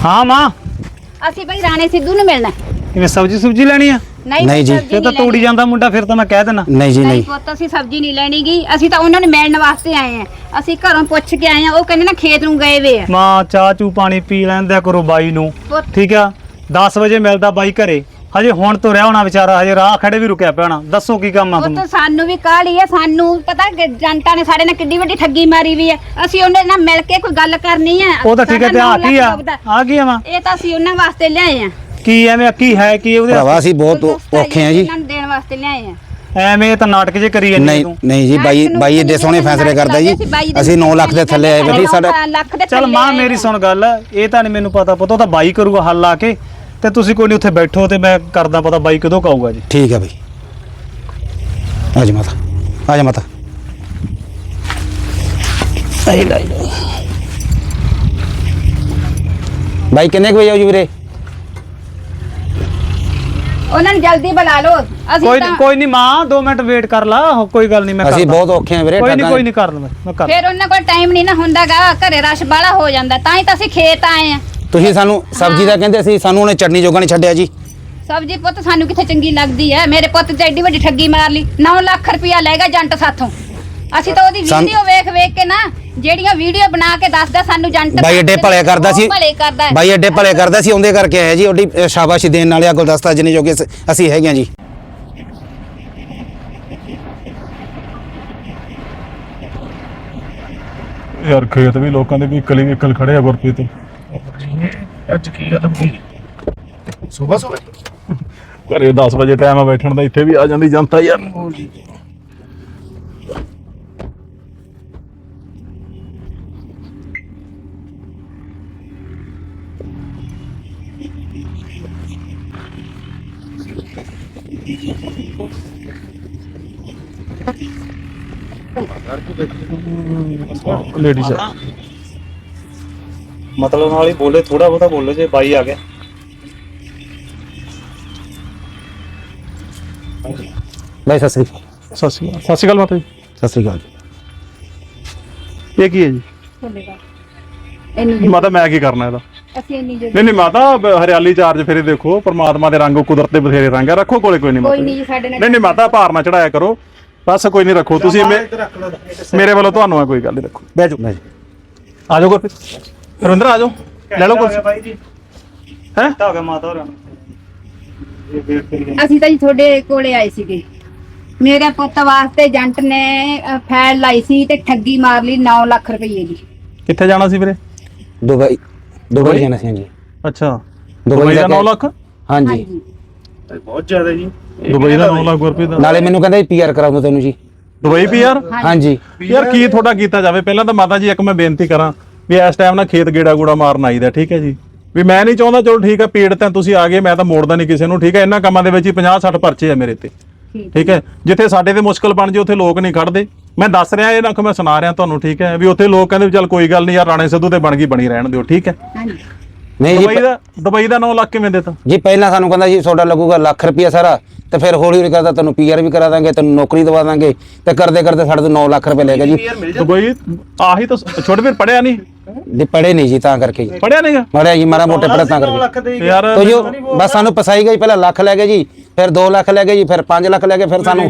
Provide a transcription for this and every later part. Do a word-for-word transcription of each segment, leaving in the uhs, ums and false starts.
हाँ मां ਅਸੀਂ ਭਾਈ ਰਾਣੇ ਸਿੱਧੂ ਨੂੰ ਮਿਲਣਾ। इन्हें सब्जी सुब्जी लेनी है? ਨਹੀਂ ਨਹੀਂ ਜੀ। ये तो तोड़ी जाता मुंडा फिर तो मैं कह देना। नहीं जी ਨਹੀਂ नहीं। ਪੁੱਤ ਅਸੀਂ ਸਬਜ਼ੀ ਨਹੀਂ ਲੈਣੀ ਗੀ, ਅਸੀਂ ਤਾਂ ਉਹਨਾਂ ਨੂੰ ਮਿਲਣ ਵਾਸਤੇ ਆਏ ਆ। ਅਸੀਂ ਘਰੋਂ ਪੁੱਛ ਕੇ ਆਏ ਆ, ਉਹ ਕਹਿੰਦੇ ਨਾ ਖੇਤ ਨੂੰ ਗਏ ਵੇ ਆ। मां चाह चू पानी पी लैंदा करो बाई नू, ਪੁੱਤ ठीक है? दस बजे मिलता बाई घरे, हजे हुण तो रहा होना बेचारा, हजे राह खड़े भी रुकिया पिया होना। दसो की काम आ ਪੁੱਤ तुम? ਸਾਨੂੰ ਵੀ ਕਾਹਲੀ ਆ, ਸਾਨੂੰ ਪਤਾ ਕਿ ਜਨਤਾ ਨੇ ਸਾਡੇ ਨਾਲ ਕਿੱਡੀ ਵੱਡੀ ਠੱਗੀ ਮਾਰੀ ਵੀ ਆ। ਅਸੀਂ ਉਹਨਾਂ ਨਾਲ ਮਿਲ ਕੇ ਕੋਈ ਗੱਲ ਕਰਨੀ ਆ। ਉਹ ਤਾਂ ਠੀਕ ਹੈ, ਤੇ ਆ ਕੀ ਆ ਆ ਕੀ ਆ ਮਾਂ? ਇਹ ਤਾਂ ਅਸੀਂ ਉਹਨਾਂ ਵਾਸਤੇ ਲਿਆਏ ਆ। ਕੀ ਐਵੇਂ ਕੀ ਹੈ ਕੀ ਉਹਦੇ ਭਰਾਵਾ ਅਸੀਂ ਬਹੁਤ ਔਖੇ ਆ ਜੀ। ਇਹਨਾਂ ਨੂੰ ਦੇਣ ਵਾਸਤੇ ਲਿਆਏ ਆ। ਐਵੇਂ ਤਾਂ ਨਾਟਕ ਜੇ ਕਰੀ ਜਾਂਦੀ ਨਹੀਂ ਤੂੰ। ਨਹੀਂ ਜੀ ਬਾਈ ਬਾਈ ਏਡੇ ਸੋਹਣੇ ਫੈਸਲੇ ਕਰਦਾ ਜੀ। ਅਸੀਂ ਨੌ ਲੱਖ ਦੇ ਥੱਲੇ ਆਏ ਬੈਠੇ ਸਾਡਾ। ਲੱਖ ਦੇ ਚੱਲ ਥੱਲੇ ਮਾਂ ਆਏ ਮੇਰੀ ਆ। ਸੁਣ ਗੱਲ, ਇਹ ਤਾਂ ਨਹੀਂ ਮੈਨੂੰ ਪਤਾ ਪਤਾ, ਉਹ ਤਾਂ ਬਾਈ ਕਰੂਗਾ ਹੱਲ ਆ ਕੇ, ਤੇ ਤੁਸੀਂ ਕੋਈ ਨਹੀਂ ਉੱਥੇ ਬੈਠੋ ਤੇ ਮੈਂ ਕਰਦਾ ਪਤਾ ਬਾਈ ਕਦੋਂ ਕਹੂਗਾ ਜੀ। ਠੀਕ ਹੈ ਬਾਈ। ਆ ਜਾ ਮਾਤਾ, ਆ ਜਾ ਮਾਤਾ। ਬਾਈ ਕਿੰਨੇ ਕੁ ਵਜੇ ਆਉ ਜੀ ਵੀਰੇ? ਉਹਨਾਂ ਨੂੰ ਜਲਦੀ ਬੁਲਾ ਲਓ। ਅਸੀਂ ਕੋਈ ਤਾਂ ਨਹੀਂ ਕੋਈ ਨਹੀਂ ਮਾਂ, ਦੋ ਮਿੰਟ ਵੇਟ ਕਰ ਲਾ, ਕੋਈ ਗੱਲ ਨਹੀਂ ਮੈਂ ਅਸੀਂ ਕਰਦਾ। ਬਹੁਤ ਔਖੇ ਆ ਵੀਰੇ। ਕੋਈ ਨਹੀਂ ਠੱਗਾਂ- ਕੋਈ ਨਹੀਂ ਕਰ ਲਵਾਂ ਮੈਂ ਕਰ। ਫਿਰ ਉਹਨਾਂ ਕੋਲ ਟਾਈਮ ਨਹੀਂ ਨਾ ਹੁੰਦਾਗਾ, ਘਰੇ ਰਸ਼ ਬਾਹਲਾ ਹੋ ਜਾਂਦਾ, ਤਾਂ ਹੀ ਤਾਂ ਅਸੀਂ ਖੇਤ ਆਏ ਆ। ਤੁਸੀਂ ਸਾਨੂੰ ਸਬਜ਼ੀ ਦਾ ਕਹਿੰਦੇ ਸੀ, ਸਾਨੂੰ ਉਹਨੇ ਚਟਨੀ ਜੋਗਾ ਨਹੀਂ ਛੱਡਿਆ ਜੀ। ਸਬਜੀ ਪੁੱਤ ਸਾਨੂੰ ਕਿੱਥੇ ਚੰਗੀ ਲੱਗਦੀ ਐ। ਮੇਰੇ ਪੁੱਤ ਤੇ ਐਡੀ ਵੱਡੀ ਠੱਗੀ ਮਾਰ ਲਈ, ਨੌ ਲੱਖ ਰੁਪਇਆ ਲੈਗਾ ਜੰਟ ਸਾਥੋਂ। ਅਸੀਂ ਤਾਂ ਉਹਦੀ ਸਾਨੂੰ- ਵੀਡੀਓ ਵੇਖ ਵੇਖ ਕੇ ਨਾ, ਜਿਹੜੀਆਂ ਵੀਡੀਓ ਬਣਾ ਕੇ ਦੱਸਦਾ ਸਾਨੂੰ ਜੰਟ ਬਾਈ ਐਡੇ ਭਲੇ ਕਰਦਾ ਸੀ। ਭਲੇ ਕਰਦਾ ਹੈ। ਬਾਈ ਐਡੇ ਭਲੇ ਕਰਦਾ ਸੀ, ਉਹਦੇ ਕਰਕੇ ਆਇਆ ਜੀ। ਉਹਦੀ ਅ, ਸ਼ਾਬਾਸ਼ੀ ਦੇਣ ਵਾਲੇ ਆ ਗੁਲਦਸਤਾ ਜਿੰਨੇ ਜੋਗੇ ਸ- ਅਸੀਂ ਹੈਗੇ ਆ ਜੀ। ਯਾਰ ਖੇਤ ਵੀ ਲੋਕਾਂ ਦੇ ਵੀ ਇਕਲੀ ਇਕਲ ਖੜੇ ਆ ਗੁਰਪ੍ਰੀਤ। ਅੱਜ ਕੀ ਗੱਲ ਹੋਈ? ਸਵੇਰ ਸਵੇਰ ਘਰੇ ਦਸ ਵਜੇ ਟਾਈਮ ਆ ਬੈਠਣ ਦਾ, ਇੱਥੇ ਵੀ ਆ ਜਾਂਦੀ ਜਨਤਾ ਯਾਰ। ਲੇਡੀਜ਼ ਆ। ਮਤਲਬ ਨਾਲ ਹੀ ਬੋਲੇ, ਥੋੜਾ ਬਹੁਤਾ ਬੋਲੋ ਜੇ ਬਾਈ ਆ ਗਿਆ। ਬਾਈ ਸਤਿ ਸ੍ਰੀ ਅਕਾਲ। ਸਤਿ ਸ਼੍ਰੀ ਅਕਾਲ। ਸਤਿ ਸ਼੍ਰੀ ਅਕਾਲ ਮਾਤਾ ਜੀ। ਸਤਿ ਸ੍ਰੀ ਅਕਾਲ। ਇਹ ਕੀ ਹੈ ਜੀ? ਇੰਨੀ ਮਾਤਾ ਮੈਂ ਕੀ ਕਰਨਾ ਇਹਦਾ? ਅਸੀਂ ਇੰਨੀ ਜਲਦੀ ਨਹੀਂ ਨਹੀਂ ਮਾਤਾ, ਬ- ਹਰਿਆਲੀ ਚਾਰਜ ਫੇਰੇ ਦੇਖੋ, ਪ੍ਰਮਾਤਮਾ ਦੇ ਰੰਗ ਕੁਦਰਤ ਦੇ ਬਥੇਰੇ ਰੰਗ ਆ, ਰੱਖੋ ਕੋਲੇ ਕੋਈ ਨਹੀਂ ਮਾਤਾ ਕੋਈ ਜੀ। ਨਹੀਂ ਜੀ ਸਾਡੇ ਨਾਲ। ਨਹੀਂ ਨਹੀਂ ਮਾਤਾ, ਭਾਰ ਨਾ ਚੜਾਇਆ ਕਰੋ, ਬਸ ਕੋਈ ਨਹੀਂ, ਰੱਖੋ ਤੁਸੀਂ। ਮੇ- ਮੇਰੇ ਵੱਲੋਂ ਤੁਹਾਨੂੰ ਆ, ਕੋਈ ਗੱਲ ਨਹੀਂ, ਰੱਖੋ। ਬਹਿ ਜਾਓ ਬਾਈ ਆ ਜਾਓ ਗੁਰਪ੍ਰੀਤ। ਰਵਿੰਦਰ ਆ ਜਾਓ, ਲੈ ਲਓ ਕੁਰਸੀ। ਬਾਈ ਜੀ ਹੈ ਹੋ ਗਿਆ ਮਾਤਾ ਹੋਰਾਂ ਨੂੰ। ਇਹ ਵੇਟ ਕਰੀ ਜਾਂਦੇ। ਅਸੀਂ ਤਾਂ ਜੀ ਤੁਹਾਡੇ ਕੋਲੇ ਆਏ ਸੀਗੇ। ਮੇਰੇ ਪੁੱਤ ਵਾਸਤੇ ਜੰਟ ਨੇ ਅ, ਫੈਲ ਲਾਈ ਸੀ ਤੇ ਠੱਗੀ ਮਾਰ ਲਈ ਨੌ ਲੱਖ ਰੁਪਏ ਦੀ। ਕਿੱਥੇ ਜਾਣਾ ਸੀ ਵੀਰੇ? ਦੁਬਈ ਦੁਬਈ ਜਾਣਾ ਸੀ ਜੀ। ਅੱਛਾ, ਦੁਬਈ ਦੁਬਈ ਦਾ ਜਾ ਕੇ- ਨੌ ਲੱਖ? ਹਾਂਜੀ। ਬਹੁਤ ਜ਼ਿਆਦਾ ਜੀ। ਦੁਬਈ ਦਾ ਨੌ ਲੱਖ ਗੁਰਪ੍ਰੀਤ ਦਾ? ਨਾਲੇ ਮੈਨੂੰ ਕਹਿੰਦਾ ਪੀਆਰ ਕਰਾਉਂਦਾ ਤੈਨੂੰ ਜੀ। ਦੁਬਈ ਵੀ ਯਾਰ ਹਾਂਜੀ। ਯਾਰ ਕੀ ਤੁਹਾਡਾ ਕੀਤਾ ਜਾਵੇ? ਪਹਿਲਾਂ ਤਾਂ ਮਾਤਾ ਜੀ ਇੱਕ ਮੈਂ ਬੇਨਤੀ ਕਰਾਂ ਵੀ ਇਸ ਟਾਈਮ ਨਾ ਖੇਤ ਗੇੜਾ ਗੂੜਾ ਮਾਰਨ ਆਈਦਾ, ਠੀਕ ਹੈ ਜੀ? ਵੀ ਮੈਂ ਨਹੀਂ ਚਾਹੁੰਦਾ, ਚਲੋ ਠੀਕ ਹੈ ਪੀੜ ਤਾਂ ਤੁਸੀਂ ਆ ਗਏ, ਮੈਂ ਤਾਂ ਮੋੜਦਾ ਨਹੀਂ ਕਿਸੇ ਨੂੰ, ਠੀਕ ਹੈ? ਇਹਨਾਂ ਕੰਮਾਂ ਦੇ ਵਿੱਚ ਹੀ ਪੰਜਾਹ ਸੱਠ ਪਰਚੇ ਆ ਮੇਰੇ ਤੇ, ਠੀਕ ਹੈ? ਜਿੱਥੇ ਸਾਡੇ ਤੇ ਮੁਸ਼ਕਲ ਬਣ ਜੇ ਉੱਥੇ ਲੋਕ ਨਹੀਂ ਖੜਦੇ। ਮੈਂ ਦੱਸ ਰਿਹਾ ਇਹ ਨਾ ਕਿ ਮੈਂ ਸੁਣਾ ਰਿਹਾ ਤੁਹਾਨੂੰ, ਠੀਕ ਹੈ? ਵੀ ਉੱਥੇ ਲੋਕ ਕਹਿੰਦੇ ਵੀ ਚੱਲ ਕੋਈ ਗੱਲ ਨਹੀਂ ਯਾਰ, ਰਾਣੇ ਸਿੱਧੂ ਤੇ ਬਣ ਗਈ ਬਣੀ ਰਹਿਣ ਦਿਓ, ਠੀਕ ਹੈ? ਹਾਂਜੀ। ਨਹੀਂ ਦੁਬਈ ਜੀ ਦਾ ਦੁਬਈ ਦਾ ਨੌ ਲੱਖ ਕਿਵੇਂ ਦੇਤਾ ਜੀ ਪਹਿਲਾਂ ਸਾਨੂੰ ਕਹਿੰਦਾ ਜੀ ਤੁਹਾਡਾ ਲੱਗੂਗਾ ਲੱਖ ਰੁਪਇਆ ਸਾਰਾ, ਤੇ ਫਿਰ ਹੌਲੀ ਹੌਲੀ ਕਰਦਾ ਤੈਨੂੰ ਪੀਆਰ ਵੀ ਕਰਾ ਦਾਂਗੇ, ਤੈਨੂੰ ਨੌਕਰੀ ਦਵਾ ਦਾਂਗੇ, ਤੇ ਕਰਦੇ ਕਰਦੇ ਸਾਡੇ ਤੋਂ ਨੌ ਲੱਖ ਰੁਪਏ ਲੈ ਗਿਆ ਜੀ। ਦੁਬਈ ਆਹੀ ਤਾਂ ਛੋਟੇ ਵੀਰ ਪੜਿਆ ਨਹੀਂ ਜੀ ਪੜੇ ਨਹੀਂ ਜੀ ਤਾਂ ਕਰਕੇ ਜੀ। ਪੜਿਆ ਨਹੀਂਗਾ ਮੜਿਆ ਜੀ ਮਾੜਾ ਮੋਟੇ ਪੜਾ ਤਾਂ ਨੌ ਕਰਕੇ। ਲੱਖ ਦੇ ਹੀ ਯਾਰ ਤੋ ਜੋ ਬਸ ਸਾਨੂੰ ਪਸਾਈ ਗਈ, ਪਹਿਲਾਂ ਲੱਖ ਲੈ ਗਏ ਜੀ, ਫਿਰ ਦੋ ਲੱਖ ਲੈ ਗਏ ਜੀ, ਫਿਰ ਪੰਜ ਲੱਖ ਲੈ ਗਏ, ਫਿਰ ਸਾਨੂੰ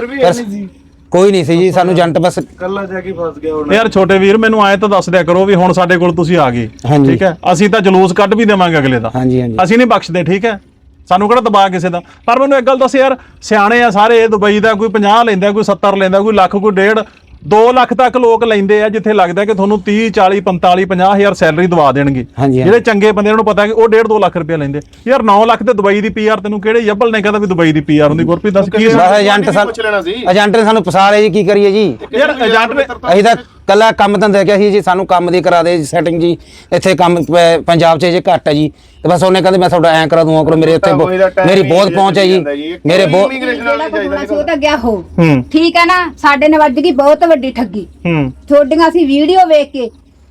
ਫਿਰ ਕੋਈ ਨਹੀਂ ਸੀ ਜੀ, ਸਾਨੂੰ ਏਜੰਟ ਬਸ ਕੱਲਾ ਜਾ ਕੇ ਫਸ ਗਿਆ ਹੁਣ। ਯਾਰ ਛੋਟੇ ਵੀਰ ਮੈਨੂੰ ਆਏ ਤਾਂ ਦੱਸ ਦਿਆ ਕਰੋ ਵੀ ਹੁਣ ਸਾਡੇ ਕੋਲ ਤੁਸੀਂ ਆ ਗਏ, ਹਾਂਜੀ। ਠੀਕ ਹੈ? ਅਸੀਂ ਤਾਂ ਜਲੂਸ ਕੱਢ ਵੀ ਦੇਵਾਂਗੇ ਅਗਲੇ ਦਾ, ਹਾਂਜੀ ਹਾਂਜੀ। ਅਸੀਂ ਨਹੀਂ ਬਖਸ਼ਦੇ, ਠੀਕ ਹੈ? ਸਾਨੂੰ ਕਿਹੜਾ ਦਬਾ ਕਿਸੇ ਦਾ। ਪਰ ਮੈਨੂੰ ਇੱਕ ਗੱਲ ਦੱਸ ਯਾਰ, ਸਿਆਣੇ ਆ ਸਾਰੇ, ਦੁਬਈ ਦਾ ਕੋਈ ਪੰਜਾਹ ਲੈਂਦਾ, ਕੋਈ ਸੱਤਰ ਲੈਂਦਾ, ਕੋਈ ਲੱਖ, ਕੋਈ ਡੇਢ ਦੋ ਲੱਖ ਤੱਕ ਲੋਕ ਲੈਂਦੇ ਆ, ਜਿੱਥੇ ਲੱਗਦਾ ਕਿ ਤੁਹਾਨੂੰ ਤੀਹ ਚਾਲੀ ਪੰਤਾਲੀ ਪੰਜਾਹ ਹਜ਼ਾਰ ਸੈਲਰੀ ਦਵਾ ਦੇਣਗੇ। ਹਾਂਜੀ, ਜਿਹੜੇ ਚੰਗੇ ਬੰਦੇ ਨੂੰ ਪਤਾ ਕਿ ਉਹ ਡੇਢ ਦੋ ਲੱਖ ਰੁਪਏ ਲੈਂਦੇ ਯਾਰ। ਨੌ ਲੱਖ ਤੇ ਦੁਬਈ ਦੀ ਪੀਆਰ ਤੈਨੂੰ ਕਿਹੜੇ ਜੱਬਲ ਨੇ ਕਹਿੰਦਾ ਵੀ ਦੁਬਈ ਦੀ ਪੀਆਰ ਹੁੰਦੀ? ਗੁਰਪ੍ਰੀਤ ਦੱਸ ਕੀ ਬਸ ਏਜੰਟ ਸਾਨੂੰ ਏਜੰਟ ਨੇ ਸਾਨੂੰ ਫਸਾ ਲਿਆ ਜੀ, ਕੀ ਕਰੀਏ ਜੀ? ਯਾਰ ਏਜੰਟ ਨੇ ਅਸੀਂ ਤਾਂ ਕੱਲਾ ਕੰਮ ਧੰਦਾ ਕਿਹਾ ਸੀ ਜੀ, ਸਾਨੂੰ ਕੰਮ ਦੀ ਕਰਾ ਦੇ ਸੈਟਿੰਗ ਜੀ, ਇੱਥੇ ਕੰਮ ਪ- ਪੰਜਾਬ 'ਚ ਜੇ ਘੱਟ ਹੈ ਜੀ, ਤੇ ਬਸ ਉਹਨੇ ਕਹਿੰਦੇ ਮੈਂ ਤੁਹਾਡਾ ਐਂ ਕਰਾ ਦੂੰਗਾ ਕਰੋ, ਮੇਰੇ ਇੱਥੇ ਬ- ਮੇਰੀ ਬਹੁਤ ਪਹੁੰਚ ਹੈ ਜੀ, ਮੇਰੇ ਬਹੁਤ ਜਿਹੜਾ ਕੋਈ ਹੋਣਾ ਸੀ ਉਹ ਤਾਂ ਗਿਆ ਹੋ, ਹੂੰ ਠੀਕ ਹੈ ਨਾ? ਸਾਡੇ ਨੇ ਵੱਜ ਗਈ ਬਹੁਤ ਵੱਡੀ ਠੱਗੀ। ਹੂੰ ਤੁਹਾਡੀਆਂ ਅਸੀਂ ਵੀਡੀਓ ਵੇਖ ਕੇ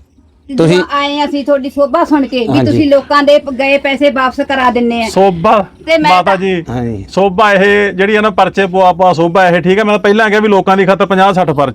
ਤੇ ਤੁਸੀਂ- ਜਦੋਂ ਆਏ ਅਸੀਂ ਤੁਹਾਡੀ ਸੋਭਾ ਸੁਣ ਕੇ ਵੀ ਹਾਂਜੀ। ਤੁਸੀਂ ਲੋਕਾਂ ਦੇ ਪ- ਗਏ ਪੈਸੇ ਵਾਪਸ ਕਰਾ ਦਿੰਨੇ ਆ। ਸੋਭਾ ਤੇ ਮੈਂ ਮਾਤਾ ਤਾਂ- ਜੀ ਹਾਂਜੀ। ਸੋਭਾ ਇਹ ਜਿਹੜੀ ਆ ਨਾ ਪਰਚੇ ਪਵਾ ਪਵਾ ਸੋਭਾ ਇਹ, ਠੀਕ ਹੈ? ਮੈਂ ਪਹਿਲਾਂ ਕਿਹਾ ਵੀ ਲੋਕਾਂ ਦੀ ਖਾਤਰ ਪੰਜਾਹ ਸੱਠ ਪਰਚੇ ਆ,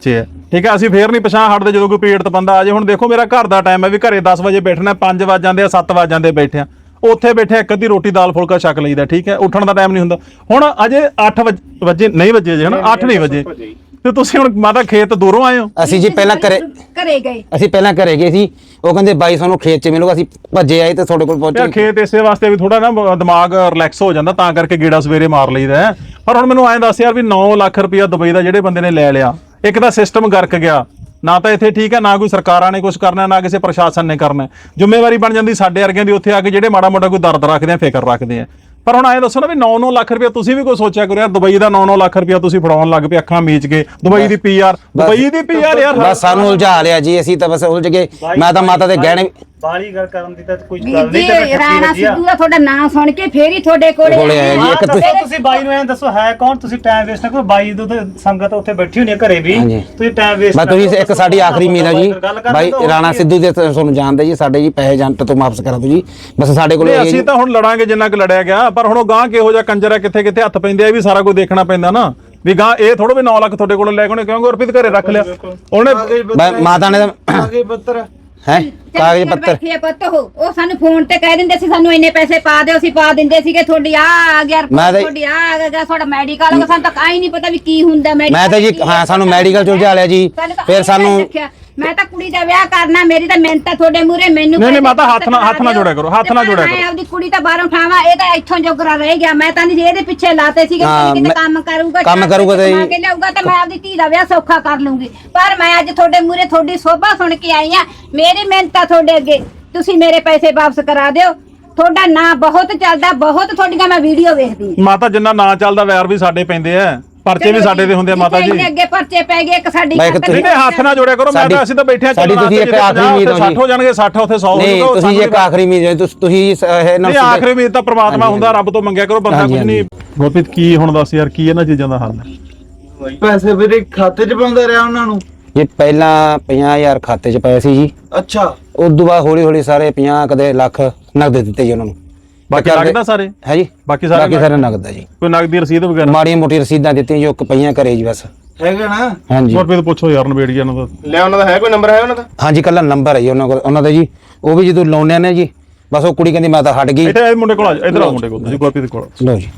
ਠੀਕ ਹੈ, ਅਸੀਂ ਫੇਰ ਨਹੀਂ ਪਛਾਣ ਹਟਦੇ ਜਦੋਂ ਕੋਈ ਪੀੜਤ ਬੰਦਾ ਆ ਜੇ। ਹੁਣ ਦੇਖੋ ਮੇਰਾ ਘਰ ਦਾ ਟਾਈਮ ਹੈ ਵੀ ਘਰੇ ਦਸ ਵਜੇ ਬੈਠਣਾ, ਪੰਜ ਵੱਜ ਜਾਂਦੇ ਆ, ਸੱਤ ਵੱਜ ਜਾਂਦੇ ਬੈਠੇ ਆ, ਉੱਥੇ ਬੈਠੇ ਇੱਕ ਅੱਧੀ ਰੋਟੀ ਦਾਲ ਫੁਲਕਾ ਛਕ ਲਈਦਾ, ਠੀਕ ਹੈ, ਉੱਠਣ ਦਾ ਟਾਈਮ ਨਹੀਂ ਹੁੰਦਾ। ਹੁਣ ਅਜੇ ਅੱਠ ਵਜੇ ਨਹੀਂ ਵਜੇ ਜੇ ਹਨਾ, ਅੱਠ ਨਹੀਂ ਵਜੇ, ਤੇ ਤੁਸੀਂ ਹੁਣ ਮਾਤਾ ਖੇਤ ਦੂਰੋਂ ਆਏ ਹੋ? ਅਸੀਂ ਜੀ ਪਹਿਲਾਂ ਘਰੇ ਘਰੇ ਗਏ ਅਸੀਂ ਪਹਿਲਾਂ ਘਰੇ ਗਏ ਸੀ, ਉਹ ਕਹਿੰਦੇ ਬਾਈ ਸਾਨੂੰ ਖੇਤ 'ਚ ਮਿਲੂਗਾ, ਅਸੀਂ ਭੱਜੇ ਆਏ ਤੇ ਤੁਹਾਡੇ ਕੋਲ ਯਾਰ ਪਹੁੰਚੇ। ਖੇਤ ਇਸੇ ਵਾਸਤੇ ਵੀ ਥੋੜਾ ਨਾ ਦਿਮਾਗ ਰਿਲੈਕਸ ਹੋ ਜਾਂਦਾ, ਤਾਂ ਕਰਕੇ ਗੇੜਾ ਸਵੇਰੇ ਮਾਰ ਲਈਦਾ ਹੈ। ਪਰ ਹੁਣ ਮੈਨੂੰ ਐਂ ਦੱਸ ਯਾਰ ਵੀ ਨੌ ਲੱਖ ਰੁਪਇਆ ਦੁਬਈ ਦਾ ਜਿਹੜੇ ਬੰਦੇ ਨੇ ਲੈ ਲਿਆ, ਇੱਕ ਤਾਂ ਸਿਸਟਮ ਗਰਕ ਗਿਆ, ਨਾ ਤਾਂ ਇੱਥੇ ਠੀਕ ਹੈ, ਨਾ ਕੋਈ ਸਰਕਾਰਾਂ ਨੇ ਕੁਝ ਕਰਨਾ, ਨਾ ਕਿਸੇ ਪ੍ਰਸ਼ਾਸਨ ਨੇ ਕਰਨਾ। ਜ਼ਿੰਮੇਵਾਰੀ ਬਣ ਜਾਂਦੀ ਸਾਡੇ ਵਰਗਿਆਂ ਦੀ ਉੱਥੇ ਆ ਕੇ ਜਿਹੜੇ ਮਾੜਾ ਮੋਟਾ ਕੋਈ ਦਰਦ ਰੱਖਦੇ ਆ, ਫਿਕਰ ਰੱਖਦੇ ਆ। ਪਰ ਹੁਣ ਐਂ ਦੱਸੋ ਨਾ ਵੀ ਨੌ ਨੌ ਲੱਖ ਰੁਪਇਆ ਤੁਸੀਂ ਵੀ ਕੋਈ ਸੋਚਿਆ ਕਰੋ ਯਾਰ, ਦੁਬਈ ਦਾ ਨੌ ਨੌ ਲੱਖ ਰੁਪਇਆ ਤੁਸੀਂ ਫੜਾਉਣ ਲੱਗ ਪਏ ਅੱਖਾਂ ਮੀਚ ਕੇ। ਦੁਬਈ ਦੀ ਪੀਆਰ, ਦੁਬਈ ਦੀ ਪੀਆਰ ਯਾਰ ਬਸ ਸਾਨੂੰ ਉਲਝਾ ਲਿਆ ਜੀ, ਅਸੀਂ ਤਾਂ ਬਸ ਉਲਝ ਗਏ। ਮੈਂ ਤਾਂ ਮਾਤਾ ਦੇ ਗਹਿਣੇ ਬਾਲੀ ਗੱਲ ਕਰਨ ਦੀ ਤਾਂ ਕੋਈ ਵੀਰ ਗੱਲ ਜੀ ਨਹੀਂ, ਤੇ ਰਾਣਾ ਸਿੱਧੂ ਦਾ ਤੁਹਾਡਾ ਨਾਮ ਸੁਣ ਕੇ ਫੇਰ ਹੀ ਤੁਹਾਡੇ ਕੋਲੇ ਕੋਲੇ ਆਏ ਜੀ। ਇੱਕ ਦੱਸੋ ਤੁਸੀਂ ਬਾਈ ਨੂੰ ਐਂ ਦੱਸੋ ਹੈ ਕੌਣ? ਤੁਸੀਂ ਟਾਈਮ ਵੇਸਟ ਨਾ ਕਰੋ, ਬਾਈ ਤੋਂ ਤੇ ਸੰਗਤ ਉੱਥੇ ਬੈਠੀ ਹੋਣੀ ਹੈ ਘਰੇ ਵੀ, ਹਾਂਜੀ। ਤੁਸੀਂ ਟਾਈਮ ਵੇਸਟ ਮੈਂ ਤੁਸੀਂ ਇੱਕ ਸਾਡੀ ਆਖਰੀ ਉਮੀਦ ਹੈ ਜੀ, ਬਾਈ ਰਾਣਾ ਸਿੱਧੂ ਦੇ ਤੁਹਾਨੂੰ ਜਾਣਦੇ ਜੀ, ਸਾਡੇ ਜੀ ਪੈਸੇ ਜੰਟ ਤੋਂ ਵਾਪਸ ਕਰਾ ਦਿਓ ਜੀ, ਬਸ ਸਾਡੇ ਕੋਲ ਨਹੀਂ, ਅਸੀਂ ਤਾਂ ਹੁਣ ਲੜਾਂਗੇ ਜਿੰਨਾ ਕੁ ਲੜਿਆ ਗਿਆ, ਪਰ ਹੁਣ ਉਹ ਗਾਂ ਕਿਹੋ ਜਿਹਾ ਕੰਜਰ ਹੈ, ਕਿੱਥੇ ਕਿੱਥੇ ਹੱਥ ਪੈਂਦੇ ਆ, ਇਹ ਵੀ ਸਾਰਾ ਕੁਝ ਦੇਖਣਾ ਪੈਂਦਾ ਨਾ। ਵੀ ਗਾਂ ਇਹ ਥੋੜਾ ਵੀ ਨੌ ਲੱਖ ਤੁਹਾਡੇ ਕੋਲ ਲੈ ਕੇ ਉਹਨੇ ਕਿਉਂ ਗੁਰਪ੍ਰੀਤ ਘਰੇ ਰੱਖ ਲਿਆ ਉਹਨੇ? ਮਾਤਾ ਨੇ ਕਾਗਜ਼ ਪੱਤਰ ਹੈ ਕਾਗਜ਼ ਪੱਤਰ ਬੈਠੇ ਪੁੱਤ ਉਹ ਉਹ ਸਾਨੂੰ ਫੋਨ ਤੇ ਕਹਿ ਦਿੰਦੇ ਸੀ ਸਾਨੂੰ ਇੰਨੇ ਪੈਸੇ ਪਾ ਦਿਓ, ਅਸੀਂ ਪਾ ਦਿੰਦੇ ਸੀਗੇ, ਤੁਹਾਡੀ ਆ ਆ ਗਿਆ ਮੈਂ ਤਾਂ- ਤੁਹਾਡੀ ਆ ਆ ਗਿਆ, ਤੁਹਾਡਾ ਮੈਡੀਕਲ ਹੋ ਗਿਆ, ਸਾਨੂੰ ਤਾਂ ਕਾਈ ਨਹੀਂ ਪਤਾ ਵੀ ਕੀ ਹੁੰਦਾ ਮੈਡੀਕਲ। ਮੈਂ ਤਾਂ ਜੀ ਹਾਂ ਸਾਨੂੰ ਮੈਡੀਕਲ ਚ ਉਲਝਾ ਲਿਆ ਜੀ, ਫਿਰ ਸਾਨੂੰ ਮੈਂ ਤਾਂ ਕੁੜੀ ਦਾ ਵਿਆਹ ਕਰਨਾ, ਮੇਰੀ ਤਾਂ ਮਿਹਨਤ ਆ ਤੁਹਾਡੇ ਮੂਹਰੇ, ਮੈਨੂੰ ਨਹੀਂ ਨਹੀਂ ਮਾਤਾ ਹੱਥ ਨਾਲ ਹੱਥ ਨਾਲ ਜੋੜਿਆ ਕਰੋ, ਹੱਥ ਨਾਲ ਜੋੜਿਆ ਮੈਂ ਕਰੋ। ਆਪਦੀ ਕੁੜੀ ਤਾਂ ਬਾਹਰੋਂ ਉਠਾਵਾਂ, ਇਹ ਤਾਂ ਇੱਥੋਂ ਜੋਗਰਾ ਰਹਿ ਗਿਆ। ਮੈਂ ਤਾਂ ਨਹੀਂ ਇਹਦੇ ਪਿੱਛੇ ਲਾਤੇ ਸੀਗੇ ਹਾਂ, ਕਿ ਕਿਤੇ ਮੈਂ- ਕੰਮ ਕਰੂਗਾ, ਕੰਮ ਚਾਰ ਕਰੂਗਾ ਪੈਸੇ ਤਾਂ ਕਮਾ ਕੇ ਲਿਆਊਗਾ ਤਾਂ ਮੈਂ ਆਪਦੀ ਧੀ ਦਾ ਵਿਆਹ ਸੌਖਾ ਕਰ ਲੂੰਗੀ। ਪਰ ਮੈਂ ਅੱਜ ਤੁਹਾਡੇ ਮੂਹਰੇ ਤੁਹਾਡੀ ਸੋਭਾ ਸੁਣ ਕੇ ਆਈ ਆ, ਮੇਰੀ ਮਿਹਨਤ ਆ ਤੁਹਾਡੇ ਅੱਗੇ, ਤੁਸੀਂ ਮੇਰੇ ਪੈਸੇ ਵਾਪਸ ਕਰਾ ਦਿਓ। ਤੁਹਾਡਾ ਨਾਂ ਬਹੁਤ ਚੱਲਦਾ, ਬਹੁਤ ਤੁਹਾਡੀਆਂ ਮੈਂ ਵੀਡੀਓ ਵੇਖਦੀ ਆ। ਮਾਤਾ ਜਿੰਨਾ ਨਾਂ ਚੱਲਦਾ ਵੈਰ ਵੀ ਸਾਡੇ ਪੈਂਦੇ ਆ, ਪਰਚੇ ਵੀ ਸਾਡੇ ਦੇ ਹੁੰਦੇ ਆ ਮਾਤਾ ਜੀ। ਇੰਨੇ ਅੱਗੇ ਪਰਚੇ ਪੈ ਗਏ, ਇੱਕ ਸਾਡੀ ਮੈਂ ਇੱਕ ਖਾਤਰ ਨਹੀਂ ਨਹੀਂ ਹੱਥ ਨਾਲ ਜੋੜਿਆ ਕਰੋ। ਮੈਂ ਤਾਂ ਅਸੀਂ ਤਾਂ ਬੈਠੇ ਆ, ਸਾਡੀ ਤੁਸੀਂ ਇੱਕ ਆਖਰੀ ਉਮੀਦ ਹੋ ਜੀ, ਸੱਠ ਹੋ ਜਾਣਗੇ, ਸੱਠ ਉੱਥੇ ਸੌ ਹੋ ਨਹੀਂ ਜਾਊਗਾ। ਤੁਸੀਂ ਇੱਕ ਆਖਰੀ ਉਮੀਦ ਹੈ, ਤੁਸੀਂ ਤੁਸੀਂ ਇਹ ਨਾ ਨਹੀਂ ਆਖਰੀ ਉਮੀਦ ਤਾਂ ਪ੍ਰਮਾਤਮਾ ਹੁੰਦਾ, ਰੱਬ ਤੋਂ ਮੰਗਿਆ ਕਰੋ, ਬੰਦਾ ਹਾਂਜੀ, ਕੁਝ ਨਹੀਂ। ਗੁਰਪ੍ਰੀਤ ਕੀ ਹੁਣ ਦੱਸ ਯਾਰ, ਕੀ ਇਹਨਾਂ ਚੀਜ਼ਾਂ ਦਾ ਹੱਲ ਹੈ? ਪੈਸੇ ਵੀਰੇ ਖਾਤੇ 'ਚ ਪਾਉਂਦਾ ਰਿਹਾ ਉਹਨਾਂ ਨੂੰ। ਜੀ ਪਹਿਲਾਂ ਪੰਜਾਹ ਹਜ਼ਾਰ ਖਾਤੇ 'ਚ ਪਏ ਸੀ ਜੀ, ਅੱਛਾ ਉਸ ਤੋਂ ਬਾਅਦ ਹੌਲੀ ਹੌਲੀ ਸਾਰੇ ਪੰਜਾਹ ਕਦੇ ਲੱਖ ਨਗਦ ਦਿੱਤੇ ਜੀ ਉਹਨਾਂ ਨੂੰ। ਬਾਕੀ ਲੱਗਦਾ ਸਾਰੇ ਹੈ ਜੀ, ਬਾਕੀ ਸਾਰੇ ਬਾਕੀ ਸਾਰੇ ਨਗਦ ਹੈ ਜੀ, ਕੋਈ ਨਗਦੀ ਰਸੀਦ ਵਗੈਰਾ? ਮਾੜੀਆਂ ਮੋਟੀਆਂ ਰਸੀਦਾਂ ਦਿੱਤੀਆਂ ਜੋ ਪਈਆਂ ਘਰੇ ਜੀ ਬਸ। ਹੈਗਾ ਨਾ? ਹਾਂਜੀ ਗੁਰਪ੍ਰੀਤ ਪੁੱਛੋ ਯਾਰ ਨਵੇੜੀ ਇਹਨਾਂ ਦਾ। ਲੈ ਉਹਨਾਂ ਦਾ ਹੈ ਕੋਈ ਨੰਬਰ ਹੈ ਉਹਨਾਂ ਦਾ? ਹਾਂਜੀ ਕੱਲਾ ਨੰਬਰ ਹੈ ਜੀ ਉਹਨਾਂ ਕੋਲ, ਉਹਨਾਂ ਦਾ ਜੀ। ਉਹ ਵੀ ਜਦੋਂ ਲਾਉਂਦੇ ਨੇ ਜੀ ਬਸ ਉਹ ਕੁੜੀ ਕਹਿੰਦੀ ਮੈਂ ਤਾਂ ਹਟ ਗਈ। ਇੱਥੇ ਇਹ ਮੁੰਡੇ ਕੋਲ ਆ ਜਾ, ਇੱਧਰ ਆ ਮੁੰਡੇ ਕੋਲ, ਤੁਸੀਂ ਗੁਰਪ੍ਰੀਤ ਕੋਲ। ਲਓ ਜੀ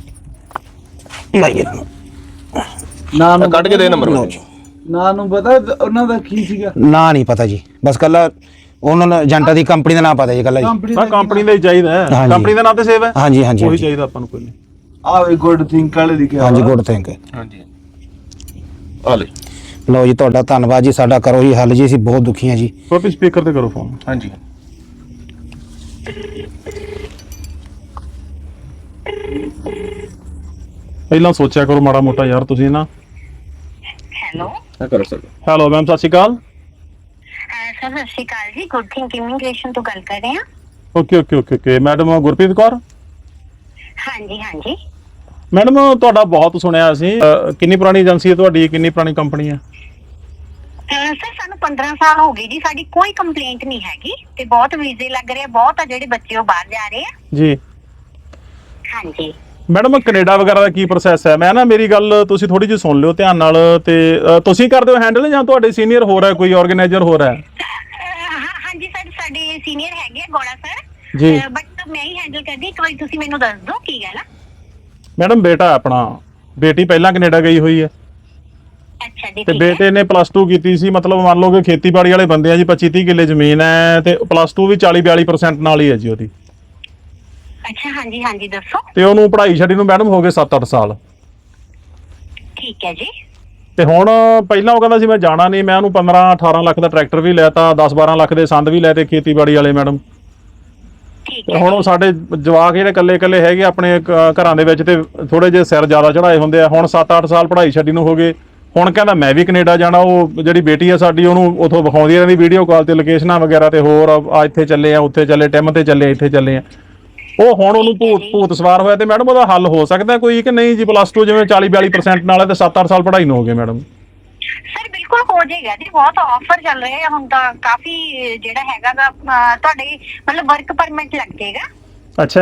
ਲਾਈਏ ਇਹਨੂੰ। ਨਾਂ ਨੂੰ ਕੱਢ ਕੇ ਦੇ ਨੰਬਰ ਲਓ ਜੀ, ਨਾਂ ਨੂੰ ਪਤਾ ਉਹਨਾਂ ਦਾ ਕੀ ਸੀਗਾ? ਨਾਂ ਨਹੀਂ ਪਤਾ ਜੀ, ਬਸ ਕੱਲਾ ਉਹਨਾਂ ਨੂੰ ਏਜੰਟਾਂ ਦੀ ਕੰਪਨੀ ਦਾ ਨਾਮ ਪਤਾ ਜੀ ਕੱਲਾ ਜੀ। ਕੰਪਨੀ ਮੈਂ ਕੰਪਨੀ ਦਾ ਹੀ ਚਾਹੀਦਾ ਹੈ, ਹਾਂਜੀ। ਕੰਪਨੀ ਦਾ ਨਾਂ ਤੇ ਸੇਵ ਹੈ। ਹਾਂਜੀ ਹਾਂਜੀ ਉਹੀ ਹਾਂਜੀ ਚਾਹੀਦਾ ਆਪਾਂ ਨੂੰ, ਕੋਈ ਨਹੀਂ। ਆਵੇ ਗੁੱਡ ਥਿੰਕ ਵਾਲੇ ਲਿਖਿਆ ਹਾਂਜੀ ਵਾ। Good think. ਹਾਂਜੀ ਆ ਲੈ। ਲਓ ਜੀ ਤੁਹਾਡਾ ਧੰਨਵਾਦ ਜੀ, ਸਾਡਾ ਕਰੋ ਜੀ ਹੱਲ ਜੀ, ਅਸੀਂ ਬਹੁਤ ਦੁਖੀ ਹਾਂ ਜੀ। ਗੁਰਪ੍ਰੀਤ ਸਪੀਕਰ ਤੇ ਕਰੋ ਫੋਨ। ਹਾਂਜੀ ਪਹਿਲਾਂ ਸੋਚਿਆ ਕਰੋ ਮਾੜਾ ਮੋਟਾ ਯਾਰ ਤੁਸੀਂ ਨਾ। ਹੈਲੋ ਆ ਕਰੋ ਸਰ। ਹੈਲੋ ਮੈਮ, ਸਤਿ ਸ਼੍ਰੀ ਅਕਾਲ। ਸਰ ਸਤਿ ਸ਼੍ਰੀ ਅਕਾਲ ਜੀ, ਗੁੱਡ ਥਿੰਕ ਇਮੀਗ੍ਰੇਸ਼ਨ ਤੋਂ ਗੱਲ ਕਰ ਰਹੇ ਹਾਂ। Okay okay okay okay madam Gurpreet Kaur. ਹਾਂਜੀ ਹਾਂਜੀ ਮੈਡਮ ਤੁਹਾਡਾ ਬਹੁਤ ਸੁਣਿਆ ਅਸੀਂ, ਅਹ, ਕਿੰਨੀ ਪੁਰਾਣੀ ਏਜੰਸੀ ਹੈ ਤੁਹਾਡੀ, ਕਿੰਨੀ ਪੁਰਾਣੀ ਕੰਪਨੀ ਹੈ? ਸਰ ਸਾਨੂੰ ਪੰਦਰਾਂ ਸਾਲ ਹੋ ਗਏ ਜੀ, ਸਾਡੀ ਕੋਈ ਕੰਪਲੇਂਟ ਨਹੀਂ ਹੈਗੀ ਤੇ ਬਹੁਤ ਵੀਜ਼ੇ ਲੱਗ ਰਹੇ ਆ, ਬਹੁਤ ਆ ਜਿਹੜੇ ਬੱਚੇ ਉਹ ਬਾਹਰ ਜਾ ਰਹੇ ਆ। ਜੀ ਹਾਂਜੀ ਮੈਡਮ ਕੈਨੇਡਾ ਵਗੈਰਾ ਦਾ ਕੀ ਪ੍ਰੋਸੈਸ ਹੈ? ਮੈਂ ਨਾ ਮੇਰੀ ਗੱਲ ਤੁਸੀਂ ਥੋੜੀ ਜਿਹੀ ਸੁਣ ਲਿਓ ਧਿਆਨ ਨਾਲ, ਤੇ ਅਹ, ਤੁਸੀਂ ਕਰਦੇ ਹੋ ਹੈਂਡਲ ਜਾਂ ਤੁਹਾਡੇ ਸੀਨੀਅਰ ਹੋ ਰਿਹਾ, ਕੋਈ ਆਰਗੇਨਾਈਜ਼ਰ ਹੋ ਰਿਹਾ? ਅਹ, ਹਾਂ ਹਾਂਜੀ ਸਰ, ਸਾਡੇ ਸੀਨੀਅਰ ਹੈਗੇ ਆ ਗੋੜਾ ਸਰ ਜੀ। ਬਟ ਮੈਂ ਹੀ ਹੈਂਡਲ ਕਰਦੀ, ਇੱਕ ਵਾਰੀ ਤੁਸੀਂ ਮੈਨੂੰ ਦੱਸ ਦਿਓ ਕੀ ਗੱਲ ਆ। ਮੈਡਮ ਬੇਟਾ ਆਪਣਾ, ਬੇਟੀ ਪਹਿਲਾਂ ਕੈਨੇਡਾ ਗਈ ਹੋਈ ਹੈ ਅੱਛਾ ਜੀ ਤੇ ਠੀਕ ਹੈ। ਬੇਟੇ ਨੇ ਪਲੱਸ ਟੂ ਕੀਤੀ ਸੀ, ਮਤਲਬ ਮੰਨ ਲਓ ਕਿ ਖੇਤੀਬਾੜੀ ਵਾਲੇ ਬੰਦੇ ਆ ਜੀ, ਪੱਚੀ ਤੀਹ ਕਿੱਲੇ ਜ਼ਮੀਨ ਹੈ ਤੇ ਪਲੱਸ ਟੂ ਵੀ ਚਾਲੀ ਬਿਆਲੀ ਪਰਸੈਂਟ ਨਾਲ ਹੀ ਹੈ ਜੀ ਉਹਦੀ। ਅੱਛਾ ਹਾਂਜੀ ਹਾਂਜੀ ਦੱਸੋ। ਤੇ ਉਹਨੂੰ ਪੜ੍ਹਾਈ ਛੱਡੀ ਨੂੰ ਮੈਡਮ ਹੋ ਗਏ ਸੱਤ ਅੱਠ ਸਾਲ। ਠੀਕ ਹੈ ਜੀ ਤੇ ਹੁਣ ਪਹਿਲਾਂ ਉਹ ਕਹਿੰਦਾ ਸੀ ਮੈਂ ਜਾਣਾ ਨਹੀਂ, ਮੈਂ ਉਹਨੂੰ ਪੰਦਰਾਂ ਅਠਾਰਾਂ ਲੱਖ ਦਾ ਟਰੈਕਟਰ ਵੀ ਲੈਤਾ, ਦਸ ਬਾਰਾਂ ਲੱਖ ਦੇ ਸੰਦ ਵੀ ਲੈ ਤੇ ਖੇਤੀਬਾੜੀ ਵਾਲੇ ਮੈਡਮ। ਠੀਕ ਤੇ ਹੈ ਹੁਣ ਉਹ ਸਾਡੇ ਜਵਾਕ ਜਿਹੜੇ ਇਕੱਲੇ ਇਕੱਲੇ ਹੈਗੇ ਆਪਣੇ ਕ- ਘਰਾਂ ਦੇ ਵਿੱਚ ਤੇ ਥੋੜੇ ਜਿਹੇ ਸਿਰ ਜ਼ਿਆਦਾ ਚੜਾਏ ਹੁੰਦੇ ਆ। ਹੁਣ ਸੱਤ ਅੱਠ ਸਾਲ ਪੜ੍ਹਾਈ ਛੱਡੀ ਨੂੰ ਹੋ ਗਏ, ਹੁਣ ਕਹਿੰਦਾ ਮੈਂ ਵੀ ਕੈਨੇਡਾ ਜਾਣਾ। ਉਹ ਜਿਹੜੀ ਬੇਟੀ ਆ ਸਾਡੀ ਉਹਨੂੰ ਉਥੋਂ ਵਿਖਾਉਂਦੀ ਰਹਿੰਦੀ ਵੀਡੀਓ ਕਾਲ ਤੇ ਲੋਕੇਸ਼ਨਾਂ ਵਗੈਰਾ ਤੇ ਹੋਰ, ਆ ਇੱਥੇ ਚੱਲੇ ਆ, ਉੱਥੇ ਚੱਲੇ, ਟਿਮ ਤੇ ਚੱਲੇ, ਇੱਥੇ ਚੱਲੇ ਆ। ਉਹ ਹੁਣ ਉਹਨੂੰ ਭੂਤ ਭੂਤ ਸਵਾਰ ਹੋਇਆ। ਤੇ ਮੈਡਮ ਉਹਦਾ ਹੱਲ ਹੋ ਸਕਦਾ ਕੋਈ ਕਿ ਨਹੀਂ ਜੀ? ਪਲੱਸ ਟੂ ਜਿਵੇਂ ਚਾਲੀ ਬਿਆਲੀ ਪਰਸੈਂਟ ਨਾਲ ਹੈ ਤੇ ਸੱਤ ਅੱਠ ਸਾਲ ਪੜ੍ਹਾਈ ਨੂੰ ਹੋ ਗਏ ਮੈਡਮ। ਸਰ ਬਿਲਕੁਲ ਹੋ ਜਾਏਗਾ ਜੀ, ਬਹੁਤ ਆਫਰ ਚੱਲ ਰਹੇ ਆ ਹੁਣ ਤਾਂ, ਕਾਫੀ ਜਿਹੜਾ ਹੈਗਾ ਗਾ ਅਹ, ਤੁਹਾਡੇ ਮਤਲਬ ਵਰਕ ਪਰਮਿਟ ਲੱਗ ਜਾਏਗਾ। ਅੱਛਾ ਜੀ। ਕਿ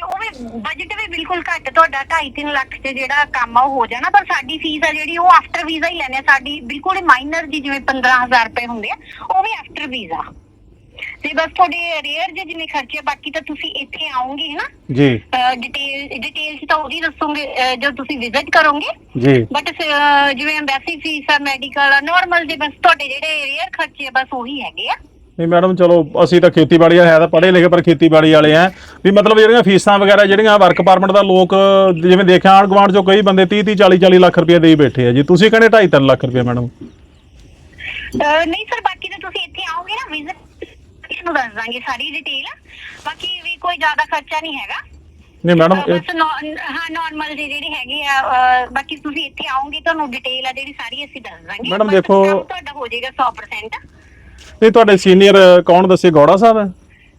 ਉਹ ਵੀ ਬਜਟ ਵੀ ਬਿਲਕੁਲ ਘੱਟ, ਤੁਹਾਡਾ ਢਾਈ ਤਿੰਨ ਲੱਖ ਚ ਜਿਹੜਾ ਕੰਮ ਆ ਉਹ ਹੋ ਜਾਣਾ। ਪਰ ਸਾਡੀ ਫੀਸ ਆ ਜਿਹੜੀ ਉਹ ਆਫਟਰ ਵੀਜ਼ਾ ਹੀ ਲੈਣੇ ਆ, ਸਾਡੀ ਬਿਲਕੁਲ ਹੀ ਮਾਈਨਰ ਜੀ, ਜਿਵੇਂ ਪੰਦਰਾਂ ਹਜ਼ਾਰ ਰੁਪਏ ਹੁੰਦੇ ਆ ਉਹ ਵੀ ਆਫਟਰ ਵੀਜ਼ਾ। ਤੇ ਬਸ ਤੁਹਾਡੇ ਰੇਅਰ ਜੇ ਜਿੰਨੇ ਖਰਚੇ, ਬਾਕੀ ਤਾਂ ਤੁਸੀਂ ਇੱਥੇ ਆਓਗੇ ਨਾ ਜੀ, ਡਿਟੇਲ ਡਿਟੇਲ ਚ ਤਾਂ ਉਹਦੀ ਦੱਸੋਗੇ ਜਦ ਤੁਸੀਂ ਵਿਜ਼ਿਟ ਕਰੋਗੇ ਜੀ। ਬਟ ਜਿਵੇਂ ਐਮਬੈਸੀ ਫੀਸ ਆ, ਮੈਡੀਕਲ ਆ, ਨਾਰਮਲ ਜੇ ਬਸ ਤੁਹਾਡੇ ਜਿਹੜੇ ਰੇਅਰ ਖਰਚੇ ਆ ਬਸ ਉਹੀ ਹੈਗੇ ਆ। ਨਹੀਂ ਮੈਡਮ ਚਲੋ ਅਸੀਂ ਤਾਂ ਖੇਤੀਬਾੜੀ ਹੈ ਤਾਂ ਪੜ੍ਹੇ ਲਿਖੇ ਪਰ ਖੇਤੀਬਾੜੀ ਵਾਲੇ ਆ ਵੀ ਮਤਲਬ ਜਿਹੜੀਆਂ ਫੀਸਾਂ ਵਗੈਰਾ ਜਿਹੜੀਆਂ ਵਰਕ ਪਰਮਿਟ ਦਾ ਲੋਕ ਜਿਵੇਂ ਦੇਖਿਆ ਆਂਢ ਗੁਆਂਢ ਚੋਂ ਕਈ ਬੰਦੇ ਤੀਹ ਤੀਹ ਚਾਲੀ ਚਾਲੀ ਲੱਖ ਰੁਪਏ ਦੇ ਹੀ ਬੈਠੇ ਆ ਜੀ, ਤੁਸੀਂ ਕਹਿੰਦੇ ਢਾਈ ਤਿੰਨ ਲੱਖ ਰੁਪਏ ਮੈਡਮ। ਨਹੀਂ ਸਰ, ਬਾਕੀ ਤਾਂ ਤੁਸੀਂ ਇੱਥੇ ਆਓਗੇ ਨਾ ਵਿਜ਼ਿਟ ਨੂੰ ਦੱਸ ਦਾਂਗੇ ਸਾਰੀ ਡਿਟੇਲ। ਬਾਕੀ ਵੀ ਕੋਈ ਜ਼ਿਆਦਾ ਖਰਚਾ ਨਹੀਂ ਹੈਗਾ। ਨਹੀਂ ਮੈਡਮ ਬਸ ਨੌ- ਹਾਂ ਨਾਰਮਲ ਜੀ ਜਿਹੜੇ ਹੈਗੇ ਆ, ਅਹ, ਬਾਕੀ ਤੁਸੀਂ ਇੱਥੇ ਆਓਗੇ ਤੁਹਾਨੂੰ ਡਿਟੇਲ ਆ ਜਿਹੜੀ ਸਾਰੀ ਅਸੀਂ ਦੱਸ ਦਾਂਗੇ। ਮੈਡਮ ਬਸ ਦੇਖੋ- ਕੰਮ ਤੁਹਾਡਾ ਹੋ ਜਾਏਗਾ ਸੌ ਪ੍ਰਸੈਂਟ। ਇਹ ਤੁਹਾਡੇ ਸੀਨੀਅਰ ਕੌਣ ਦੱਸੇ, ਗੌੜਾ ਸਾਹਿਬ ਹੈ?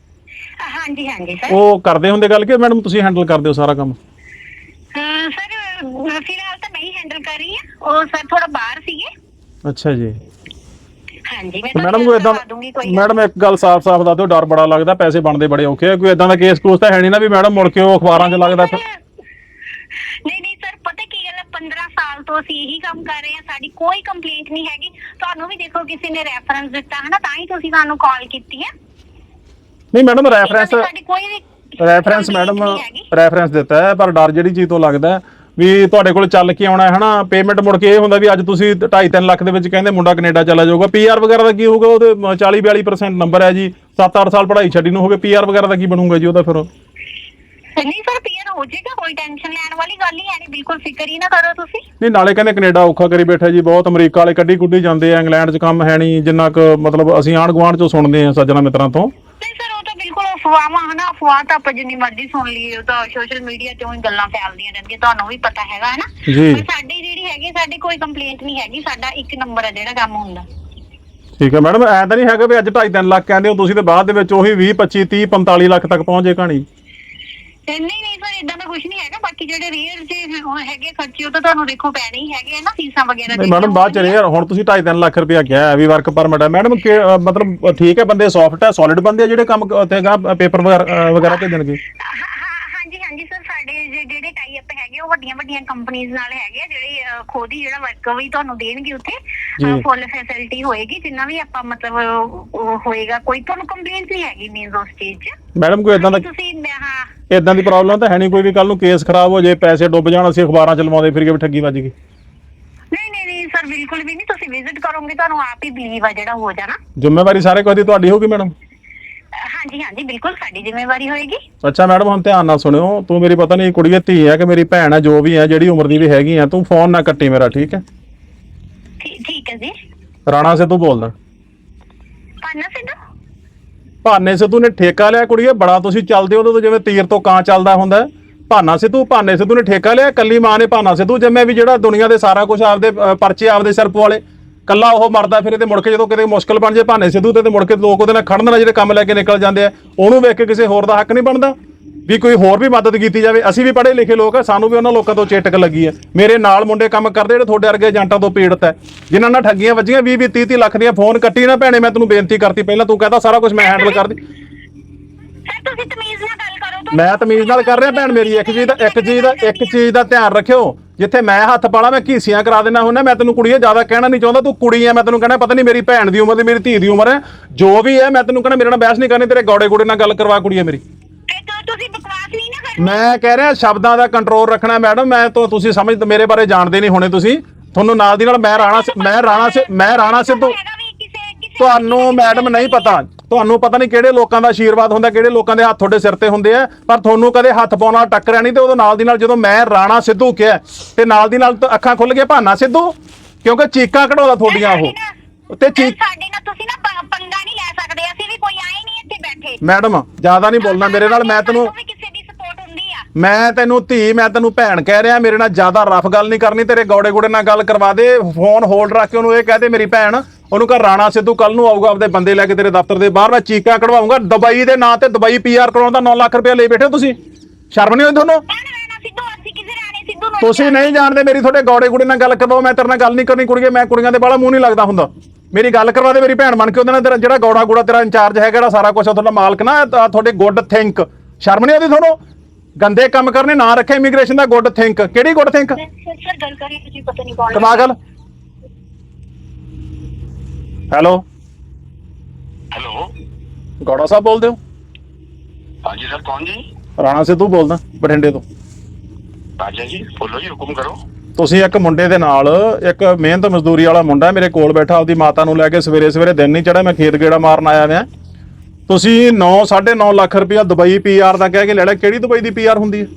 ਹਾਂਜੀ ਹਾਂਜੀ ਸਰ। ਉਹ ਕਰਦੇ ਹੁੰਦੇ ਗੱਲ ਕਿ ਮੈਡਮ ਤੁਸੀਂ ਹੈਂਡਲ ਕਰਦੇ ਹੋ ਸਾਰਾ ਕੰਮ? ਅਹ, ਸਰ ਫਿਲਹਾਲ ਤਾਂ ਮੈਂ ਹੀ ਹੈਂਡਲ ਕਰ ਰਹੀ ਹਾਂ, ਉਹ ਸਰ ਥੋੜਾ ਬਾਹਰ ਸੀਗੇ। ਅੱਛਾ ਜੀ। ਹਾਂਜੀ ਮੈਂ ਮੈਡਮ ਕੋਈ ਇਦਾਂ ਮੈਡਮ ਇੱਕ ਗੱਲ ਸਾਫ਼-ਸਾਫ਼ ਦੱਸ ਦਿਓ, ਡਰ ਬੜਾ ਲੱਗਦਾ, ਪੈਸੇ ਬਣਦੇ ਬੜੇ ਔਖੇ ਆ, ਕੋਈ ਇਦਾਂ ਦਾ ਕੇਸ ਕੂਸ ਤਾਂ ਹੈ ਨਹੀਂ ਨਾ ਵੀ ਮੈਡਮ ਮੁੜ ਕੇ ਉਹ ਅਖਬਾਰਾਂ 'ਚ ਲੱਗਦਾ ਫਿਰ? ਨਹੀਂ ਨਹੀਂ ਸਰ, ਪਤਾ ਕੀ ਗੱਲ ਹੈ, ਪੰਦਰਾਂ ਸਾਲ ਤੋਂ ਅਸੀਂ ਇਹੀ ਕੰਮ ਕਰ ਰਹੇ ਹਾਂ, ਸਾਡੀ ਕੋਈ ਕੰਪਲੇਂਟ ਨਹੀਂ ਹੈਗੀ। ਤੁਹਾਨੂੰ ਵੀ ਦੇਖੋ ਕਿਸੇ ਨੇ ਰੈਫਰੈਂਸ ਦਿੱਤਾ ਹੈ ਨਾ, ਤਾਂ ਹੀ ਤੁਸੀਂ ਸਾਨੂੰ ਕਾਲ ਕੀਤੀ ਹੈ। ਨਹੀਂ ਮੈਡਮ ਰੈਫਰੈਂਸ ਸਾਡੀ ਕੋਈ ਵੀ ਰੈਫਰੈਂਸ complaint ਮੈਡਮ ਨਹੀਂ ਹੈਗੀ। ਰੈਫਰੈਂਸ ਦਿੱਤਾ ਹੈ, ਪਰ ਡਰ ਜਿਹੜੀ ਚੀਜ਼ ਤੋਂ ਲੱਗਦਾ ਵੀ ਤੁਹਾਡੇ ਕੋਲ ਚੱਲ ਕੇ ਆਉਣਾ ਹੈ ਹਨਾ, ਪੇਮੈਂਟ ਮੁੜ ਕੇ ਇਹ ਹੁੰਦਾ ਵੀ ਅੱਜ ਤੁਸੀਂ ਢਾਈ ਤਿੰਨ ਲੱਖ ਦੇ ਵਿੱਚ ਕਹਿੰਦੇ ਮੁੰਡਾ ਕੈਨੇਡਾ ਚਲਾ ਜਾਊਗਾ, ਪੀਆਰ ਵਗੈਰਾ ਦਾ ਕੀ ਹੋਊਗਾ? ਉਹਦੇ ਚਾਲੀ ਬਿਆਲੀ ਪਰਸੈਂਟ ਨੰਬਰ ਹੈ ਜੀ, ਸੱਤ ਅੱਠ ਸਾਲ ਪੜ੍ਹਾਈ ਛੱਡੀ ਨੂੰ ਹੋ ਗਏ, ਪੀਆਰ ਵਗੈਰਾ ਦਾ ਕੀ ਬਣੂਗਾ ਜੀ ਉਹਦਾ ਫਿਰ? ਨਹੀਂ ਸਰ, ਪੀਆਰ ਹੋ ਜਾਏਗਾ, ਕੋਈ ਟੈਨਸ਼ਨ ਲੈਣ ਵਾਲੀ ਗੱਲ ਹੀ ਹੈ ਨਹੀਂ, ਬਿਲਕੁਲ ਫਿਕਰ ਹੀ ਨਾ ਕਰੋ ਤੁਸੀਂ। ਨਹੀਂ ਨਾਲੇ ਕਹਿੰਦੇ ਕੈਨੇਡਾ ਔਖਾ ਕਰੀ ਬੈਠਾ ਜੀ, ਬਹੁਤ ਅਮਰੀਕਾ ਵਾਲੇ ਕੱਢੀ ਕੁੱਢੀ ਜਾਂਦੇ ਆ, ਇੰਗਲੈਂਡ 'ਚ ਕੰਮ ਹੈ ਨਹੀਂ ਜਿੰਨਾ ਕੁ ਮਤਲਬ ਅਸੀਂ ਆਂਢ ਗੁਆਂਢ 'ਚੋਂ ਸੁਣਦੇ ਆ ਸੱਜਣਾ ਮਿੱਤਰਾਂ ਤੋਂ। ਨਹੀਂ ਸਰ, ਉਹ ਤਾਂ ਬਿਲਕੁਲ ਅਫਵਾਹਾਂ ਹਨਾ, ਅਫਵਾਹ ਤਾਂ ਆਪਾਂ ਜਿੰਨੀ ਮਰਜ਼ੀ ਸੁਣ ਲਈਏ, ਉਹ ਤਾਂ ਸੋਸ਼ਲ ਮੀਡੀਆ ਤੇ ਹੀ ਗੱਲਾਂ ਫੈਲਦੀਆਂ ਰਹਿੰਦੀਆਂ, ਤੁਹਾਨੂੰ ਵੀ ਪਤਾ ਹੈਗਾ ਹੈ ਨਾ। ਜੀ। ਪਰ ਸਾਡੀ ਜਿਹੜੀ ਹੈਗੀ, ਸਾਡੀ ਕੋਈ ਕੰਪਲੇਂਟ ਨਹੀਂ ਹੈਗੀ, ਸਾਡਾ ਇੱਕ ਨੰਬਰ ਹੈ ਜਿਹੜਾ ਕੰਮ ਹੁੰਦਾ। ਠੀਕ ਹੈ ਮੈਡਮ, ਐਂ ਤਾਂ ਨਹੀਂ ਹੈਗਾ ਵੀ ਅੱਜ ਢਾਈ ਤਿੰਨ ਲੱਖ ਕਹਿੰਦੇ ਹੋ ਤੁਸੀਂ ਤੇ ਬਾਅਦ ਦੇ ਵਿੱਚ ਉਹੀ ਵੀਹ ਪੱਚੀ ਤੀਹ ਪੰਤਾਲੀ ਲੱਖ ਤੱਕ ਪਹੁੰਚ ਜੇ ਕਹਾਣੀ? ਨਹੀਂ ਨਹੀਂ ਸਰ, ਇਦਾਂ ਦਾ ਕੁਝ ਨਹੀਂ ਹੈਗਾ। ਬਾਕੀ ਜਿਹੜੇ ਰੇਅਰ ਜੇ ਉਹ ਹੈਗੇ ਖਰਚੇ, ਉਹ ਤਾਂ ਤੁਹਾਨੂੰ ਦੇਖੋ ਪੈਣੇ ਹੀ ਹੈਗੇ ਨਾ, ਫੀਸਾਂ ਵਗੈਰਾ। ਨਹੀਂ ਮੈਡਮ ਬਾਅਦ ਚ ਯਾਰ, ਹੁਣ ਤੁਸੀਂ ਢਾਈ ਤਿੰਨ ਲੱਖ ਰੁਪਇਆ ਕਿਹਾ ਹੈ ਵੀ ਵਰਕ ਪਰਮਿਟ ਹੈ ਮੈਡਮ, ਮਤਲਬ ਠੀਕ ਹੈ ਬੰਦੇ ਸੌਫਟ ਹੈ, ਸੋਲਿਡ ਬੰਦੇ ਆ ਜਿਹੜੇ ਕੰਮ ਉੱਥੇ ਪੇਪਰ ਵਗੈਰਾ ਭੇਜਣਗੇ? ਹਾਂਜੀ ਹਾਂਜੀ ਸਰ, ਸਾਡੇ ਜਿਹੜੇ ਟਾਈ ਅਪ ਹੈਗੇ ਉਹ ਵੱਡੀਆਂ ਵੱਡੀਆਂ ਕੰਪਨੀਆਂ ਨਾਲ ਹੈਗੇ ਆ, ਜਿਹੜੇ ਖੁਦ ਹੀ ਜਿਹੜਾ ਵਰਕ ਵੀ ਤੁਹਾਨੂੰ ਦੇਣਗੇ ਉੱਥੇ, ਫੁੱਲ ਫੈਸਿਲਿਟੀ ਹੋਏਗੀ, ਜਿੰਨਾ ਵੀ ਆਪਾਂ ਮਤਲਬ ਹੋਏਗਾ, ਕੋਈ ਤੁਹਾਨੂੰ ਕੰਪਲੇਂਟ ਨਹੀਂ ਹੈਗੀ ਮੀਨਸ ਉਸ ਚੀਜ਼ 'ਚ। ਮੈਡਮ ਕੋਈ ਇਦਾਂ ਦਾ ਤੁਸੀਂ ਹਾਂ ਇਦਾਂ ਦੀ ਪ੍ਰੋਬਲਮ ਤਾਂ ਹੈ ਨਹੀਂ ਕੋਈ ਵੀ ਕੱਲ ਨੂੰ ਕੇਸ ਖਰਾਬ ਹੋ ਜਾਏ, ਪੈਸੇ ਡੁੱਬ ਜਾਣ, ਅਸੀਂ ਅਖਬਾਰਾਂ 'ਚ ਲਵਾਉਂਦੇ ਫਿਰ ਕੇ ਠੱਗੀ ਵੱਜ ਗਈ? ਨਹੀਂ ਨਹੀਂ ਨਹੀਂ ਸਰ, ਬਿਲਕੁਲ ਵੀ ਨਹੀਂ। ਤੁਸੀਂ ਵਿਜ਼ਿਟ ਕਰੋਗੇ ਤੁਹਾਨੂੰ ਆਪ ਹੀ ਬਲੀਵ ਆ ਜਿਹੜਾ ਹੋ ਜਾਣਾ। ਜ਼ਿੰਮੇਵਾਰੀ ਸਾਰੇ ਕੋਈ ਦੀ ਤੁਹਾਡੀ ਹੋਊਗੀ ਮੈਡਮ? ਹਾਂਜੀ ਹਾਂਜੀ ਬਿਲਕੁਲ ਸਾਡੀ ਜ਼ਿੰਮੇਵਾਰੀ ਹੋਏਗੀ। ਅੱਛਾ ਮੈਡਮ ਹੁਣ ਧਿਆਨ ਨਾਲ ਸੁਣਿਓ, ਤੂੰ ਮੇਰੀ ਪਤਾ ਨਹੀਂ ਕੁੜੀ ਧੀ ਹੈ ਕਿ ਮੇਰੀ ਭੈਣ ਹੈ, ਜੋ ਵੀ ਹੈ ਜਿਹੜੀ ਉਮਰ ਦੀ ਵੀ ਹੈਗੀ ਆ, ਤੂੰ ਫੋਨ ਨਾ ਕੱਟੀ ਮੇਰਾ, ਠੀਕ ਹੈ? ਠੀਕ ਹੈ ਜੀ। ਰਾਣਾ ਸਿੱਧੂ ਬੋਲਦਾ। ਪਾਨਾ ਸਿੱਧੂ? ਭਾਨੇ ਸਿੱਧੂ ਨੇ ਠੇਕਾ ਲਿਆ ਕੁੜੀਏ, ਬੜਾ ਤੁਸੀਂ ਚੱਲਦੇ ਹੋ ਜਿਵੇਂ ਤੀਰ ਤੋਂ ਕਾਂ ਚੱਲਦਾ ਹੁੰਦਾ। ਭਾਨਾ ਸਿੱਧੂ ਭਾਨੇ ਸਿੱਧੂ ਨੇ ਠੇਕਾ ਲਿਆ, ਕੱਲੀ ਮਾਂ ਨੇ ਭਾਨਾ ਸਿੱਧੂ ਜੰਮਿਆ ਵੀ ਜਿਹੜਾ ਦੁਨੀਆ ਦੇ ਸਾਰਾ ਕੁਝ ਆਪਦੇ ਪਰਚੇ ਆਪਦੇ ਸਿਰ ਪਵਾਲੇ, ਕੱਲਾ ਉਹ ਮਰਦਾ ਫਿਰੇ ਤੇ ਮੁੜ ਕੇ ਜਦੋਂ ਕਿਤੇ ਮੁਸ਼ਕਲ ਬਣ ਜੇ ਭਾਨੇ ਸਿੱਧੂ ਤੇ ਤੇ ਮੁੜ ਕੇ ਲੋਕ ਉਹਦੇ ਨਾਲ ਖੜਨ ਨਾਲ ਜਿਹੜੇ ਕੰਮ ਲੈ ਕੇ ਨਿਕਲ ਜਾਂਦੇ ਆ, ਉਹਨੂੰ ਵੇਖ ਕੇ ਕਿਸੇ ਹੋਰ ਦਾ ਹੱਕ ਨਹੀਂ ਬਣਦਾ ਵੀ ਕੋਈ ਹੋਰ ਵੀ ਮਦਦ ਕੀਤੀ ਜਾਵੇ? ਅਸੀਂ ਵੀ ਪੜ੍ਹੇ ਲਿਖੇ ਲੋਕ ਆ, ਸਾਨੂੰ ਵੀ ਉਹਨਾਂ ਲੋਕਾਂ ਤੋਂ ਚੇਟਕ ਲੱਗੀ ਹੈ। ਮੇਰੇ ਨਾਲ ਮੁੰਡੇ ਕੰਮ ਕਰਦੇ ਜਿਹੜੇ ਤੁਹਾਡੇ ਵਰਗੇ ਏਜੰਟਾਂ ਤੋਂ ਪੀੜਤ ਹੈ, ਜਿਨ੍ਹਾਂ ਨਾਲ ਠੱਗੀਆਂ ਵੱਜੀਆਂ ਵੀਹ ਵੀਹ ਤੀਹ ਤੀਹ ਲੱਖ ਦੀਆਂ। ਫੋਨ ਕੱਟੀ ਨਾ ਭੈਣੇ, ਮੈਂ ਤੈਨੂੰ ਬੇਨਤੀ ਕਰਤੀ ਪਹਿਲਾਂ, ਤੂੰ ਕਹਿੰਦਾ ਸਾਰਾ ਕੁਝ ਮੈਂ ਹੈਂਡਲ ਕਰਦੀ। ਸਰ ਤੁਸੀਂ ਤਮੀਜ਼ ਨਾਲ ਗੱਲ ਕਰੋ। ਮੈਂ ਤਮੀਜ਼ ਨਾਲ ਕਰ ਰਿਹਾ ਭੈਣ ਮੇਰੀ। ਇੱਕ ਚੀਜ਼ ਦਾ ਇੱਕ ਚੀਜ਼ ਦਾ ਇੱਕ ਚੀਜ਼ ਦਾ ਧਿਆਨ ਰੱਖਿਓ, ਜਿੱਥੇ ਮੈਂ ਹੱਥ ਪਾਲਾ ਮੈਂ ਘੀਸੀਆਂ ਕਰਾ ਦੇਣਾ ਹੁੰਦਾ। ਮੈਂ ਤੈਨੂੰ ਕੁੜੀਏ ਜ਼ਿਆਦਾ ਕਹਿਣਾ ਨਹੀਂ ਚਾਹੁੰਦਾ, ਤੂੰ ਕੁੜੀ ਹੈ, ਮੈਂ ਤੈਨੂੰ ਕਹਿਣਾ ਪਤਾ ਨਹੀਂ ਮੇਰੀ ਭੈਣ ਦੀ ਉਮਰ ਦੀ ਮੇਰੀ ਧੀ ਦੀ ਉਮਰ ਹੈ, ਜੋ ਵੀ ਹੈ ਮੈਂ ਤੈਨੂੰ ਕਹਿਣਾ ਮੇਰੇ ਨਾਲ ਬਹਿਸ ਨਹੀਂ ਕਰਨੀ, ਤੇਰੇ ਗੌੜੇ ਗੋੜੇ ਨਾਲ ਗੱਲ ਕਰਵਾ ਕੁੜੀਏ ਮੇਰੀ। ਤੁਸੀਂ ਬਕਵਾਸ ਨਹੀਂ ਨਾ ਕਰਨੀ। ਮੈਂ ਕਹਿ ਰਿਹਾ ਸ਼ਬਦਾਂ ਦਾ ਕੰਟਰੋਲ ਰੱਖਣਾ ਮੈਡਮ। ਮੈਂ ਤੋਂ ਤੁਸੀਂ ਸਮਝ ਮੇਰੇ ਬਾਰੇ ਜਾਣਦੇ ਨਹੀਂ ਹੋਣੇ ਤੁਸੀਂ, ਤੁਹਾਨੂੰ ਨਾਲ ਦੀ ਨਾਲ ਮੈਂ ਰਾਣਾ ਮੈਂ ਰਾਣਾ ਮੈਂ ਰਾਣਾ ਸਿੱਧੂ ਤੁਹਾਨੂੰ ਮੈਡਮ ਨਹੀਂ ਪਤਾ, ਤੁਹਾਨੂੰ ਪਤਾ ਨਹੀਂ ਕਿਹੜੇ ਲੋਕਾਂ ਦਾ ਆਸ਼ੀਰਵਾਦ ਹੁੰਦਾ, ਕਿਹੜੇ ਲੋਕਾਂ ਦੇ ਹੱਥ ਤੁਹਾਡੇ ਸਿਰ ਤੇ ਹੁੰਦੇ ਆ, ਪਰ ਤੁਹਾਨੂੰ ਕਦੇ ਹੱਥ ਪਾਉਣ ਨਾਲ ਟੱਕਰਿਆ ਨਹੀਂ। ਤੇ ਉਦੋਂ ਨਾਲ ਦੀ ਨਾਲ ਜਦੋਂ ਮੈਂ ਰਾਣਾ ਸਿੱਧੂ ਕਿਹਾ ਤੇ ਨਾਲ ਦੀ ਨਾਲ ਅੱਖਾਂ ਖੁੱਲ ਗਈਆਂ ਭਾਨਾ ਸਿੱਧੂ, ਕਿਉਂਕਿ ਚੀਕਾਂ ਕਢਾਉਂਦਾ ਤੁਹਾਡੀਆਂ ਉਹ ਤੇ ਚੀਕ। ਸਾਡੇ ਨਾਲ ਤੁਸੀਂ ਨਾ ਪੰਗਾ ਨਹੀਂ ਲੈ ਸਕਦੇ, ਅਸੀਂ ਵੀ ਕੋਈ ਆਏ ਨਹੀਂ ਇੱਥੇ ਬੈਠੇ। ਮੈਡਮ ਜ਼ਿਆਦਾ ਨਹੀਂ ਬੋਲਣਾ ਮੇਰੇ ਨਾਲ, ਮੈਂ ਤੈਨੂੰ ਕਿਸੇ ਦੀ ਸਪੋਰਟ ਹੁੰਦੀ ਆ। ਮੈਂ ਤੈਨੂੰ ਧੀ ਮੈਂ ਤੈਨੂੰ ਭੈਣ ਕਹਿ ਰਿਹਾ, ਮੇਰੇ ਨਾਲ ਜ਼ਿਆਦਾ ਰਫ ਗੱਲ ਨਹੀਂ ਕਰਨੀ। ਤੇਰੇ ਗੌੜੇ ਗੋੜੇ ਨਾਲ ਗੱਲ ਕਰਵਾ ਦੇ, ਫੋਨ ਹੋਲਡ ਰੱਖ ਕੇ ਉਹਨੂੰ ਇਹ ਕਹਿ ਦੇ ਮੇਰੀ ਭੈਣ, ਉਹਨੂੰ ਕਹ ਰਾਣਾ ਸਿੱਧੂ ਕੱਲ ਨੂੰ ਆਊਗਾ ਆਪਦੇ ਬੰਦੇ ਲੈ ਕੇ ਤੇਰੇ ਦਫ਼ਤਰ ਦੇ ਬਾਹਰ, ਮੈਂ ਚੀਕਾਂ ਕਢਵਾਉਂਗਾ। ਦੁਬਈ ਦੇ ਨਾਂ ਤੇ ਦੁਬਈ ਪੀਆਰ ਕਰਾਉਣ ਦਾ ਨੌ ਲੱਖ ਰੁਪਇਆ ਲੈ ਬੈਠੇ ਹੋ ਤੁਸੀਂ, ਸ਼ਰਮ ਨਹੀਂ ਆਉਂਦੀ ਤੁਹਾਨੂੰ? ਤੁਸੀਂ ਨਹੀਂ ਜਾਣਦੇ, ਮੇਰੀ ਤੁਹਾਡੇ ਗੌੜੇ ਗੁੜੇ ਨਾਲ ਗੱਲ ਕਰਵਾਓ, ਮੈਂ ਤੇਰੇ ਨਾਲ ਗੱਲ ਨਹੀਂ ਕਰਨੀ ਕੁੜੀਏ। ਮੈਂ ਕੁੜੀਆਂ ਦੇ ਬਾਲਾ ਮੂੰਹ ਨਹੀਂ ਲੱਗਦਾ ਹੁੰਦਾ, ਮੇਰੀ ਗੱਲ ਕਰਵਾ ਦੇ ਮੇਰੀ ਭੈਣ ਬਣ ਕੇ। ਉਹਦੇ ਨਾਲ ਤੇਰਾ ਜਿਹੜਾ ਗੌੜਾ ਗੁੜਾ ਤੇਰਾ ਇੰਚਾਰਜ ਹੈਗਾ, ਜਿਹੜਾ ਸਾਰਾ ਕੁਝ ਤੁਹਾਡਾ ਮਾਲਕ ਨਾ, ਤੁਹਾਡੇ ਗੁੱਡ ਥਿੰਕ, ਸ਼ਰਮ ਨਹੀਂ ਆਉਂਦੀ ਤੁਹਾਨੂੰ? ਗੰਦੇ ਕੰਮ ਕਰਨੇ ਨਾ ਰੱਖੇ ਇਮੀਗ੍ਰੇਸ਼ਨ ਦਾ ਗੁੱਡ ਥਿੰਕ। ਕਿਹੜੀ ਗੁੱਡ ਥਿੰਕ? ਸਰ ਸਰ ਗੱਲ ਕਰੀ ਤੁਸੀਂ ਪਤਾ ਨਹੀਂ ਕੌਣ ਕਮਾ ਗੱਲ। ਹੈਲੋ ਹੈਲੋ ਗੌੜਾ ਸਾਹਿਬ ਬੋਲਦੇ ਹੋ? ਹਾਂਜੀ ਸਰ ਕੌਣ ਜੀ? ਰਾਣਾ ਸਿੱਧੂ ਬੋਲਦਾ ਬਠਿੰਡੇ ਤੋਂ। ਰਾਜਾ ਜੀ ਬੋਲੋ ਜੀ, ਹੁਕਮ ਕਰੋ। ਤੁਸੀਂ ਇੱਕ ਮੁੰਡੇ ਦੇ ਨਾਲ, ਇੱਕ ਮਿਹਨਤ ਮਜ਼ਦੂਰੀ ਵਾਲਾ ਮੁੰਡਾ ਮੇਰੇ ਕੋਲ ਬੈਠਾ, ਆਪਦੀ ਮਾਤਾ ਨੂੰ ਲੈ ਕੇ ਸਵੇਰੇ ਸਵੇਰੇ ਦਿਨ ਨਹੀਂ ਚੜਿਆ, ਮੈਂ ਖੇਤ ਗੇੜਾ ਮਾਰਨ ਆਇਆ ਮੈਂ। ਤੁਸੀਂ ਨੌ ਸਾਢੇ ਨੌ ਲੱਖ ਰੁਪਇਆ ਦੁਬਈ ਪੀਆਰ ਦਾ ਕਹਿ ਕੇ ਲੈ ਲਿਆ। ਕਿਹੜੀ ਦੁਬਈ ਦੀ ਪੀਆਰ ਹੁੰਦੀ ਹੈ?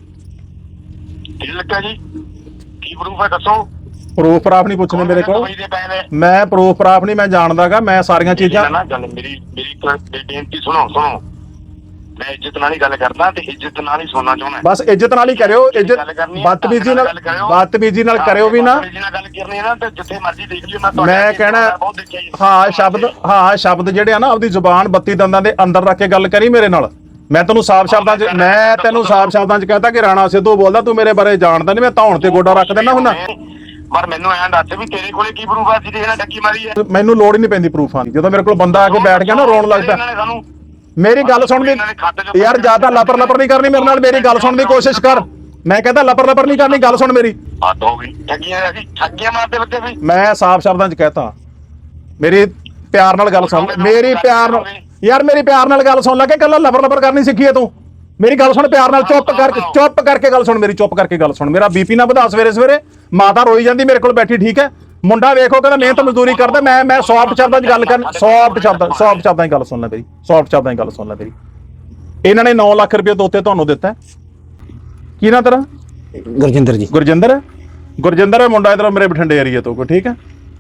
ਕੀ ਲੱਗਾ ਜੀ? ਕੀ ਪ੍ਰੂਫ ਹੈ ਦੱਸੋ? ਪ੍ਰੂਫ ਪ੍ਰਾਫ ਨਹੀਂ ਪੁੱਛਣੇ ਮੇਰੇ ਕੋਲ। ਦੁਬਈ ਦੇ ਪਏ ਨੇ। ਮੈਂ ਪ੍ਰੂਫ ਪ੍ਰਾਫ ਨਹੀਂ, ਮੈਂ ਜਾਣਦਾਗਾ, ਮੈਂ ਸਾਰੀਆਂ ਚੀਜ਼ਾਂ। ਨਾ ਗੱਲ ਮੇਰੀ ਮੇਰੀ ਇੱਕ ਬੇਨਤੀ ਸੁਣੋ ਸੁਣੋ ਮੈਂ ਇੱਜ਼ਤ ਨਾਲ ਹੀ ਗੱਲ ਕਰਦਾ ਤੇ ਇੱਜ਼ਤ ਨਾਲ ਹੀ ਸੁਣਨਾ ਚਾਹੁੰਦਾ। ਬਸ ਇੱਜ਼ਤ ਨਾਲ ਹੀ ਕਰਿਓ। ਇੱਜ਼ਤ ਬਦਤਮੀਜ਼ੀ ਨਾਲ ਬਦਤਮੀਜ਼ੀ ਨਾਲ ਕਰਿਓ ਵੀ ਨਾ। ਬਦਤਮੀਜ਼ੀ ਨਾਲ ਗੱਲ ਕਰਨੀ ਹੈ ਨਾ ਤੇ ਜਿੱਥੇ ਮਰਜ਼ੀ ਦੇਖ ਲਿਓ। ਮੈਂ ਮੈਂ ਕਹਿਣਾ ਹਾਂ ਸ਼ਬਦ ਹਾਂ ਸ਼ਬਦ ਜਿਹੜੇ ਆ ਨਾ ਆਪਦੀ ਜ਼ੁਬਾਨ ਬੱਤੀ ਦੰਦਾਂ ਦੇ ਅੰਦਰ ਰੱਖ ਕੇ ਗੱਲ ਕਰੀ ਮੇਰੇ ਨਾਲ। ਮੈਂ ਤੈਨੂੰ ਸਾਫ਼ ਸ਼ਬਦਾਂ 'ਚ ਮੈਂ ਤੈਨੂੰ ਸਾਫ਼ ਸ਼ਬਦਾਂ 'ਚ ਕਹਤਾ ਕਿ ਰਾਣਾ ਸਿੱਧੂ ਬੋਲਦਾ, ਤੂੰ ਮੇਰੇ ਬਾਰੇ ਜਾਣਦਾ ਨਹੀਂ। ਮੈਂ ਧੌਣ ਤੇ ਗੋਡਾ ਰੱਖ ਦਿੰਦਾ ਹੁੰਦਾ। ਪਰ ਮੈਨੂੰ ਐਂ ਦੱਸ ਵੀ ਤੇਰੇ ਕੋਲੇ ਕੀ ਪ੍ਰੂਫ ਆ ਜਿਹਦੇ ਨਾਲ ਠੱਗੀ ਮਾਰੀ ਹੈ? ਮੈਨੂੰ ਲੋੜ ਹੀ ਨਹੀਂ ਪੈਂਦੀ ਪ੍ਰੂਫਾਂ ਦੀ। ਜਦੋਂ ਮੇਰੇ ਕੋਲ ਬੰਦਾ ਆ ਕੇ ਬੈਠ ਗਿਆ ਨਾ ਰੋਣ ਲੱਗਦਾ। ਸਾਨੂੰ ਮੇਰੀ ਗੱਲ ਸੁਣ ਦੀ ਯਾਰ, ਜਿਆਦਾ ਲਪਰ ਲਪਰ ਨਹੀਂ ਕਰਨੀ ਮੇਰੇ ਨਾਲ। ਮੇਰੀ ਗੱਲ ਸੁਣਨ ਦੀ ਕੋਸ਼ਿਸ਼ ਕਰ। ਮੈਂ ਕਹਿੰਦਾ ਲਪਰ ਲਪਰ ਨਹੀਂ ਕਰਨੀ, ਗੱਲ ਸੁਣ ਮੇਰੀ। ਹੱਦ ਹੋ ਗਈ। ਠੱਗੀਆਂ ਅਸੀਂ ਠੱਗੀਆਂ ਮਾਰਦੇ ਬੱਚੇ ਵੀ। ਮੈਂ ਸਾਫ਼ ਸ਼ਬਦਾਂ 'ਚ ਕਹਤਾ, ਮੇਰੀ ਪਿਆਰ ਨਾਲ ਗੱਲ ਸੁਣ। ਮੇਰੀ ਪਿਆਰ ਨਾਲ ਯਾਰ ਮੇਰੀ ਪਿਆਰ ਨਾਲ ਗੱਲ ਸੁਣ ਲੈ ਕੇ ਕੱਲਾ ਲਪਰ ਲਪਰ ਕਰਨੀ ਸਿੱਖੀ ਹੈ ਤੂੰ। ਮੇਰੀ ਗੱਲ ਸੁਣ ਪਿਆਰ ਨਾਲ, ਚੁੱਪ ਕਰਕੇ ਚੁੱਪ ਕਰਕੇ ਗੱਲ ਸੁਣ ਮੇਰੀ, ਚੁੱਪ ਕਰਕੇ ਗੱਲ ਸੁਣ। ਮੇਰਾ ਬੀਪੀ ਨਾ ਵਧਾ ਸਵੇਰੇ ਸਵੇਰੇ। ਮਾਤਾ ਰੋਈ ਜਾਂਦੀ ਮੇਰੇ ਕੋਲ ਬੈਠੀ, ਠੀਕ ਹੈ। ਮੁੰਡਾ ਵੇਖੋ ਕਹਿੰਦਾ ਮਿਹਨਤ ਮਜ਼ਦੂਰੀ ਕਰਦਾ। ਮੈਂ ਮੈਂ ਸੌਫਟ ਸ਼ਬਦਾਂ 'ਚ ਗੱਲ ਕਰਨ, ਸੌਫਟ ਸ਼ਬਦਾਂ ਸੌਫਟ ਸ਼ਬਦਾਂ 'ਚ ਗੱਲ ਸੁਣ ਲੈ ਮੇਰੀ, ਸੌਫਟ ਸ਼ਬਦਾਂ 'ਚ ਗੱਲ ਸੁਣ ਲੈ ਮੇਰੀ। ਇਹਨਾਂ ਨੇ ਨੌ ਲੱਖ ਰੁਪਏ ਦੋਤੇ ਤੁਹਾਨੂੰ ਦਿੱਤਾ। ਕੀ ਨਾ ਤੇਰਾ? ਗੁਰਜਿੰਦਰ ਜੀ। ਗੁਰਜਿੰਦਰ। ਗੁਰਜਿੰਦਰ ਹੈ ਮੁੰਡਾ ਇਧਰ ਮੇਰੇ ਬਠਿੰਡੇ ਏਰੀਆ ਤੋਂ ਕੋਈ, ਠੀਕ ਹੈ।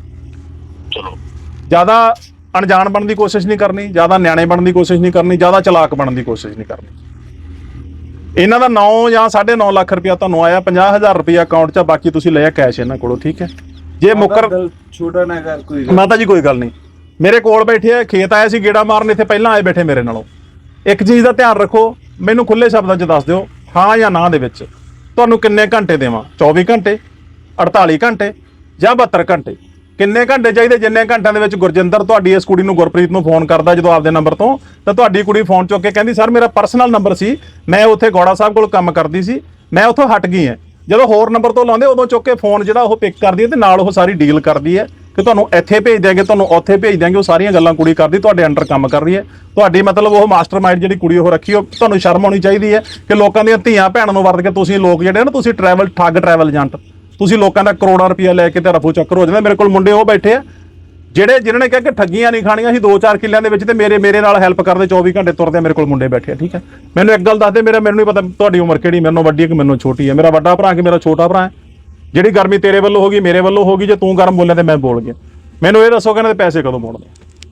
ਚਲੋ ਜ਼ਿਆਦਾ ਅਣਜਾਣ ਬਣਨ ਦੀ ਕੋਸ਼ਿਸ਼ ਨਹੀਂ ਕਰਨੀ, ਜ਼ਿਆਦਾ ਨਿਆਣੇ ਬਣਨ ਦੀ ਕੋਸ਼ਿਸ਼ ਨਹੀਂ ਕਰਨੀ, ਜ਼ਿਆਦਾ ਚਲਾਕ ਬਣਨ ਦੀ ਕੋਸ਼ਿਸ਼ ਨਹੀਂ ਕਰਨੀ। ਇਹਨਾਂ ਦਾ ਨੌ ਜਾਂ ਸਾਢੇ ਨੌ ਲੱਖ ਰੁਪਇਆ ਤੁਹਾਨੂੰ ਆਇਆ, ਪੰਜਾਹ ਹਜ਼ਾਰ ਰੁਪਇਆ ਅਕਾਊਂਟ 'ਚ, ਬਾਕੀ ਤੁਸੀਂ ਲਿਆ ਕੈਸ਼ ਇਹਨਾਂ ਕੋਲੋਂ, ਠੀਕ ਹੈ। ਜੇ ਮੁੱਕਰ ਛੋਟਾ ਨਾ ਕਰ ਕੋਈ। ਮਾਤਾ ਜੀ ਕੋਈ ਗੱਲ ਨਹੀਂ, ਮੇਰੇ ਕੋਲ ਬੈਠੇ ਆ, ਖੇਤ ਆਏ ਸੀ ਗੇੜਾ ਮਾਰਨ, ਇੱਥੇ ਪਹਿਲਾਂ ਆਏ ਬੈਠੇ ਮੇਰੇ ਨਾਲੋਂ। ਇੱਕ ਚੀਜ਼ ਦਾ ਧਿਆਨ ਰੱਖੋ, ਮੈਨੂੰ ਖੁੱਲੇ ਸ਼ਬਦਾਂ 'ਚ ਦੱਸ ਦਿਓ ਹਾਂ ਜਾਂ ਨਾ ਦੇ ਵਿੱਚ ਤੁਹਾਨੂੰ ਕਿੰਨੇ ਘੰਟੇ ਦੇਵਾਂ? ਚੌਵੀ ਘੰਟੇ, ਅੜਤਾਲੀ ਘੰਟੇ ਜਾਂ ਬਹੱਤਰ ਘੰਟੇ? ਕਿੰਨੇ ਘੰਟੇ ਚਾਹੀਦੇ? ਜਿੰਨੇ ਘੰਟਿਆਂ ਦੇ ਵਿੱਚ ਗੁਰਜਿੰਦਰ ਤੁਹਾਡੀ ਇਸ ਕੁੜੀ ਨੂੰ ਗੁਰਪ੍ਰੀਤ ਨੂੰ ਫੋਨ ਕਰਦਾ ਜਦੋਂ ਆਪਦੇ ਨੰਬਰ ਤੋਂ, ਤਾਂ ਤੁਹਾਡੀ ਕੁੜੀ ਫੋਨ ਚੁੱਕ ਕੇ ਕਹਿੰਦੀ ਸਰ ਮੇਰਾ ਪਰਸਨਲ ਨੰਬਰ ਸੀ, ਮੈਂ ਉੱਥੇ ਗੌੜਾ ਸਾਹਿਬ ਕੋਲ ਕੰਮ ਕਰਦੀ ਸੀ, ਮੈਂ ਉੱਥੋਂ ਹਟ ਗਈ ਹਾਂ। ਜਦੋਂ ਹੋਰ ਨੰਬਰ ਤੋਂ ਲਾਉਂਦੇ ਉਦੋਂ ਚੁੱਕ ਕੇ ਫੋਨ ਜਿਹੜਾ ਉਹ ਪਿਕ ਕਰਦੀ ਹੈ ਤੇ ਨਾਲ ਉਹ ਸਾਰੀ ਡੀਲ ਕਰਦੀ ਹੈ ਕਿ ਤੁਹਾਨੂੰ ਇੱਥੇ ਭੇਜ ਦਿਆਂਗੇ, ਤੁਹਾਨੂੰ ਉੱਥੇ ਭੇਜ ਦਿਆਂਗੇ। ਉਹ ਸਾਰੀਆਂ ਗੱਲਾਂ ਕੁੜੀ ਕਰਦੀ, ਤੁਹਾਡੇ ਅੰਡਰ ਕੰਮ ਕਰ ਰਹੀ ਹੈ। ਤੁਹਾਡੀ ਮਤਲਬ ਉਹ ਮਾਸਟਰਮਾਈਂਡ ਜਿਹੜੀ ਕੁੜੀ ਉਹ ਰੱਖੀ, ਉਹ ਤੁਹਾਨੂੰ ਸ਼ਰਮ ਆਉਣੀ ਚਾਹੀਦੀ ਹੈ ਕਿ ਲੋਕਾਂ ਦੀਆਂ ਧੀਆਂ ਭੈਣਾਂ ਨੂੰ ਵਰਤ ਕੇ ਤੁਸੀਂ ਲੋਕ ਜਿਹੜੇ ਨਾ, ਤੁਸੀਂ ਟਰੈਵਲ ਠੱਗ ਟਰੈਵਲ ਏਜੰਟ, ਤੁਸੀਂ ਲੋਕਾਂ ਦਾ ਕਰੋੜਾਂ ਰੁਪਇਆ ਲੈ ਕੇ ਤੇ ਰਫੂ ਚੱਕਰ ਹੋ ਜਾਂਦਾ। ਮੇਰੇ ਕੋਲ ਮੁੰਡੇ ਉਹ ਬੈਠੇ ਆ ਜਿਹੜੇ ਜਿਨ੍ਹਾਂ ਨੇ ਕਿਹਾ ਕਿ ਠੱਗੀਆਂ ਨਹੀਂ ਖਾਣੀਆਂ ਸੀ ਦੋ ਚਾਰ ਕਿੱਲਿਆਂ ਦੇ ਵਿੱਚ, ਤੇ ਮੇਰੇ ਮੇਰੇ ਨਾਲ ਹੈਲਪ ਕਰਦੇ ਚੌਵੀ ਘੰਟੇ ਤੁਰਦੇ। ਮੇਰੇ ਕੋਲ ਮੁੰਡੇ ਬੈਠੇ ਆ, ਠੀਕ ਹੈ। ਮੈਨੂੰ ਇੱਕ ਗੱਲ ਦੱਸ ਦੇ, ਮੇਰਾ ਮੈਨੂੰ ਨਹੀਂ ਪਤਾ ਤੁਹਾਡੀ ਉਮਰ ਕਿਹੜੀ, ਮੈਨੂੰ ਵੱਡੀ ਹੈ ਕਿ ਮੈਨੂੰ ਛੋਟੀ ਹੈ। ਮੇਰਾ ਵੱਡਾ ਭਰਾ ਕਿ ਮੇਰਾ ਛੋਟਾ ਭਰਾ ਹੈ? ਜਿਹੜੀ ਗਰਮੀ ਤੇਰੇ ਵੱਲੋਂ ਹੋ ਗਈ ਮੇਰੇ ਵੱਲੋਂ ਹੋ ਗਈ, ਜੇ ਤੂੰ ਗਰਮ ਬੋਲਿਆ ਤੇ ਮੈਂ ਬੋਲ ਗਿਆ। ਮੈਨੂੰ ਇਹ ਦੱਸੋ ਕਿ ਇਹਨਾਂ ਦੇ ਪੈਸੇ ਕਦੋਂ ਮੋੜਨੇ?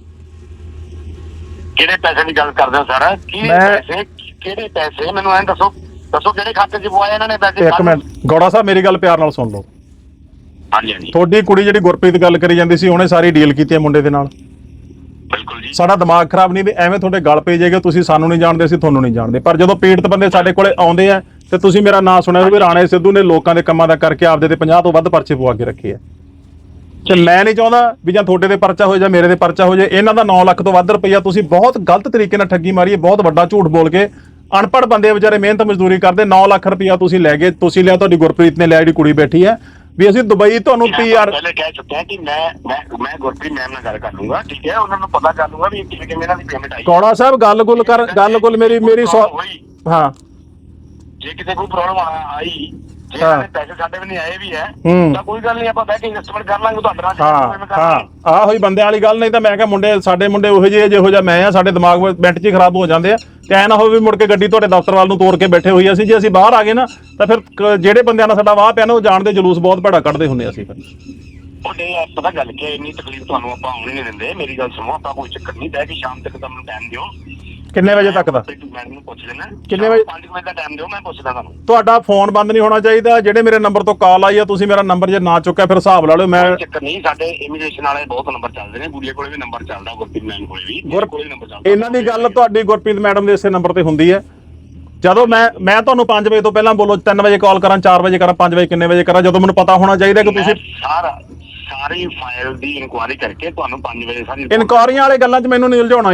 ਕਿਹੜੇ ਪੈਸੇ ਦੀ ਗੱਲ ਕਰਦੇ ਹੋ ਸਰ? ਕੀ ਪੈਸੇ? ਕਿਹੜੇ ਪੈਸੇ ਮੈਨੂੰ ਐਂ ਦੱਸੋ, ਦੱਸੋ ਕਿਹੜੇ ਖਾਤੇ 'ਚ ਪਵਾਏ ਇਹਨਾਂ ਨੇ ਪੈਸੇ? ਇੱਕ ਮਿੰਟ ਗੌੜਾ ਸਾਹਿਬ, ਮੇਰੀ ਗੱਲ ਪਿਆਰ ਨਾਲ ਸੁਣ ਲਓ। ਹਾਂਜੀ ਹਾਂਜੀ। ਤੁਹਾਡੀ ਕੁੜੀ ਜਿਹੜੀ ਗੁਰਪ੍ਰੀਤ ਗੱਲ ਕਰੀ ਜਾਂਦੀ ਸੀ, ਉਹਨੇ ਸਾਰੀ ਡੀਲ ਕੀਤੀ ਹੈ ਮੁੰਡੇ ਦੇ ਨਾਲ। ਬਿਲਕੁਲ ਜੀ। ਸਾਡਾ ਦਿਮਾਗ ਖਰਾਬ ਨਹੀਂ ਵੀ ਐਵੇਂ ਤੁਹਾਡੇ ਗੱਲ ਪੈ ਜਾਏਗਾ, ਤੁਸੀਂ ਸਾਨੂੰ ਨਹੀਂ ਜਾਣਦੇ ਅਸੀਂ ਤੁਹਾਨੂੰ ਨਹੀਂ ਜਾਣਦੇ। ਪਰ ਜਦੋਂ ਪੀੜਤ ਬੰਦੇ ਸਾਡੇ ਕੋਲੇ ਆਉਂਦੇ ਆ ਤੇ ਤੁਸੀਂ ਮੇਰਾ ਨਾਂ ਸੁਣਿਆ ਵੀ ਰਾਣੇ ਸਿੱਧੂ ਨੇ ਲੋਕਾਂ ਦੇ ਕੰਮਾਂ ਦਾ ਕਰਕੇ ਆਪਦੇ ਤੇ ਪੰਜਾਹ ਤੋਂ ਵੱਧ ਪਰਚੇ ਪਵਾ ਕੇ ਰੱਖੇ ਆ। ਤੇ ਮੈਂ ਨਹੀਂ ਚਾਹੁੰਦਾ ਵੀ ਜਾਂ ਤੁਹਾਡੇ ਦੇ ਪਰਚਾ ਹੋ ਜਾ ਮੇਰੇ ਦੇ ਪਰਚਾ ਹੋ ਜਾ। ਇਹਨਾਂ ਦਾ ਨੌ ਲੱਖ ਤੋਂ ਵੱਧ ਰੁਪਈਆ ਤੁਸੀਂ ਬਹੁਤ ਗਲਤ ਤਰੀਕੇ ਨਾਲ ਠੱਗੀ ਮਾਰੀ ਹੈ, ਬਹੁਤ ਵੱਡਾ ਝੂਠ ਬੋਲ ਕੇ। ਅਨਪੜ੍ਹ ਬੰਦੇ ਵਿਚਾਰੇ ਮਿਹਨਤ ਮਜ਼ਦੂਰੀ ਕਰਦੇ, ਨੌ ਲੱਖ ਰੁਪਈਆ ਤੁਸੀਂ ਲੈ ਗਏ, ਤੁਸੀਂ ਲਿਆ, ਤੁਹਾਡੀ ਗੁਰਪ੍ਰੀਤ ਨੇ ਲਿਆ, ਜਿਹੜੀ ਕੁੜੀ ਬੈਠੀ ਹੈ ਵੀ ਅਸੀਂ ਦੁਬਈ ਤੁਹਾਨੂੰ ਪੀਆਰ। ਪਹਿਲੇ ਕਹਿ ਚੁੱਕਿਆ ਕਿ ਮੈਂ ਮੈਂ ਮੈਂ ਗੁਰਪ੍ਰੀਤ ਮੈਮ ਨਾਲ ਗੱਲ ਕਰ ਲੂੰਗਾ, ਠੀਕ ਹੈ। ਉਹਨਾਂ ਨੂੰ ਪਤਾ ਕਰ ਲੂੰਗਾ ਵੀ ਕਿਵੇਂ ਕਿਵੇਂ ਇਹਨਾਂ ਦੀ ਪੇਮੈਂਟ ਆਈ। ਗੌੜਾ ਸਾਹਿਬ ਗੱਲ ਗੁੱਲ ਕਰ, ਗੱਲ ਗੁੱਲ ਮੇਰੀ ਮੇਰੀ ਹਾਂ। ਜੇ ਕਿਤੇ ਕੋਈ ਪ੍ਰੋਬਲਮ ਆਈ, ਜੇ ਪੈਸੇ ਸਾਡੇ ਵੀ ਨਹੀਂ ਆਏ ਵੀ ਹੈ ਤਾਂ ਕੋਈ ਗੱਲ ਨਹੀਂ, ਆਪਾਂ ਬਹਿ ਕੇ ਇਨਵੈਸਟਮੈਂਟ ਕਰ ਲਾਂਗੇ ਤੁਹਾਡੇ ਨਾਲ। ਹਾਂ ਹਾਂ ਆਹ ਹੋਈ ਬੰਦਿਆਂ ਵਾਲੀ ਗੱਲ। ਨਹੀਂ ਤਾਂ ਮੈਂ ਕਿਹਾ ਮੁੰਡੇ ਸਾਡੇ ਮੁੰਡੇ ਉਹੋ ਜਿਹੇ ਜਿਹੋ ਜਿਹਾ ਮੈਂ ਆ, ਸਾਡੇ ਦਿਮਾਗ ਮਿੰਟ 'ਚ ਹੀ ਖਰਾਬ ਹੋ ਜਾਂਦੇ ਆ। ਤੇ ਐ ਨਾ ਹੋਵੇ ਵੀ ਮੁੜ ਕੇ ਗੱਡੀ ਤੁਹਾਡੇ ਦਫ਼ਤਰ ਵੱਲ ਨੂੰ ਤੋੜ ਕੇ ਬੈਠੇ ਹੋਈ ਅਸੀਂ। ਜੇ ਅਸੀਂ ਬਾਹਰ ਆ ਗਏ ਨਾ ਤਾਂ ਫਿਰ ਜਿਹੜੇ ਬੰਦਿਆਂ ਨਾਲ ਸਾਡਾ ਵਾਹ ਪਿਆ ਨਾ, ਉਹ ਜਾਣਦੇ ਜਲੂਸ ਬਹੁਤ ਭੜਾ ਕੱਢਦੇ ਹੁੰਦੇ ਅਸੀਂ। ਫਿਰ ਉਹਨੇ ਪਤਾ ਗੱਲ ਕੀ ਹੈ, ਇੰਨੀ ਤਕਲੀਫ ਤੁਹਾਨੂੰ ਆਪਾਂ ਆਉਣ ਨਹੀਂ ਦਿੰਦੇ। ਮੇਰੀ ਗੱਲ ਸੁਣੋ, ਆਪਾਂ ਕੋਈ ਚੱਕਰ ਨਹੀਂ, ਬਹਿ ਕੇ ਸ਼ਾਮ ਤੱਕ ਤਾਂ ਮੈਨੂੰ ਟਾਈਮ ਦਿਓ। ਕਿੰਨੇ ਵਜੇ ਤੱਕ ਦਾ? ਮੈਡਮ ਨੂੰ ਪੁੱਛ ਲੈਣਾ ਕਿੰਨੇ ਵਜੇ? ਪੰਜ ਵਜੇ ਦਾ ਟਾਈਮ ਦਿਓ, ਮੈਂ ਪੁੱਛਦਾ ਤੁਹਾਨੂੰ। ਤੁਹਾਡਾ ਫੋਨ ਬੰਦ ਨਹੀਂ ਹੋਣਾ ਚਾਹੀਦਾ। ਜਿਹੜੇ ਮੇਰੇ ਨੰਬਰ ਤੋਂ ਕਾਲ ਆਈ ਆ, ਤੁਸੀਂ ਮੇਰਾ ਨੰਬਰ ਜੇ ਨਾ ਚੁੱਕਿਆ ਫਿਰ ਹਿਸਾਬ ਲਾ ਲਿਓ। ਮੈਂ ਚੱਕਰ ਨਹੀਂ, ਸਾਡੇ ਇਮੀਗ੍ਰੇਸ਼ਨ ਵਾਲੇ ਬਹੁਤ ਨੰਬਰ ਚੱਲਦੇ ਨੇ, ਗੁੜੀਆ ਕੋਲੇ ਵੀ ਨੰਬਰ ਚੱਲਦਾ, ਗੁਰਪ੍ਰੀਤ ਮੈਮ ਕੋਲੇ ਵੀ ਕੋਲੇ ਨੰਬਰ ਚੱਲਦਾ। ਇਹਨਾਂ ਦੀ ਗੱਲ ਤੁਹਾਡੀ ਗੁਰਪ੍ਰੀਤ ਮੈਡਮ ਦੇ ਇਸੇ ਨੰਬਰ ਤੇ ਹੁੰਦੀ ਹੈ। ਜਦੋਂ ਮੈਂ ਮੈਂ ਤੁਹਾਨੂੰ ਪੰਜ ਵਜੇ ਤੋਂ ਪਹਿਲਾਂ ਬੋਲੋ, ਤਿੰਨ ਵਜੇ ਕਾਲ ਕਰਾਂ, ਚਾਰ ਵਜੇ ਕਰਾਂ, ਪੰਜ ਵਜੇ ਕਿੰਨੇ ਵਜੇ ਕਰਾਂ, ਜਦੋਂ ਮੈਨੂੰ ਪਤਾ ਹੋਣਾ ਚਾਹੀਦਾ ਕਿ ਤੁਸੀਂ ਸਾਰਾ ਸਾਰੀ ਫਾਈਲ ਦੀ ਇਨਕੁਆਇਰੀ ਕਰਕੇ ਤੁਹਾਨੂੰ ਪੰਜ ਵਜੇ ਸਾਰੀ ਇਨਕੁਆਰੀਆਂ ਵਾਲੇ ਗੱਲਾਂ 'ਚ ਮੈਨੂੰ ਨਹੀਂ ਉਲਝਾਉਣਾ ਯਾਰ।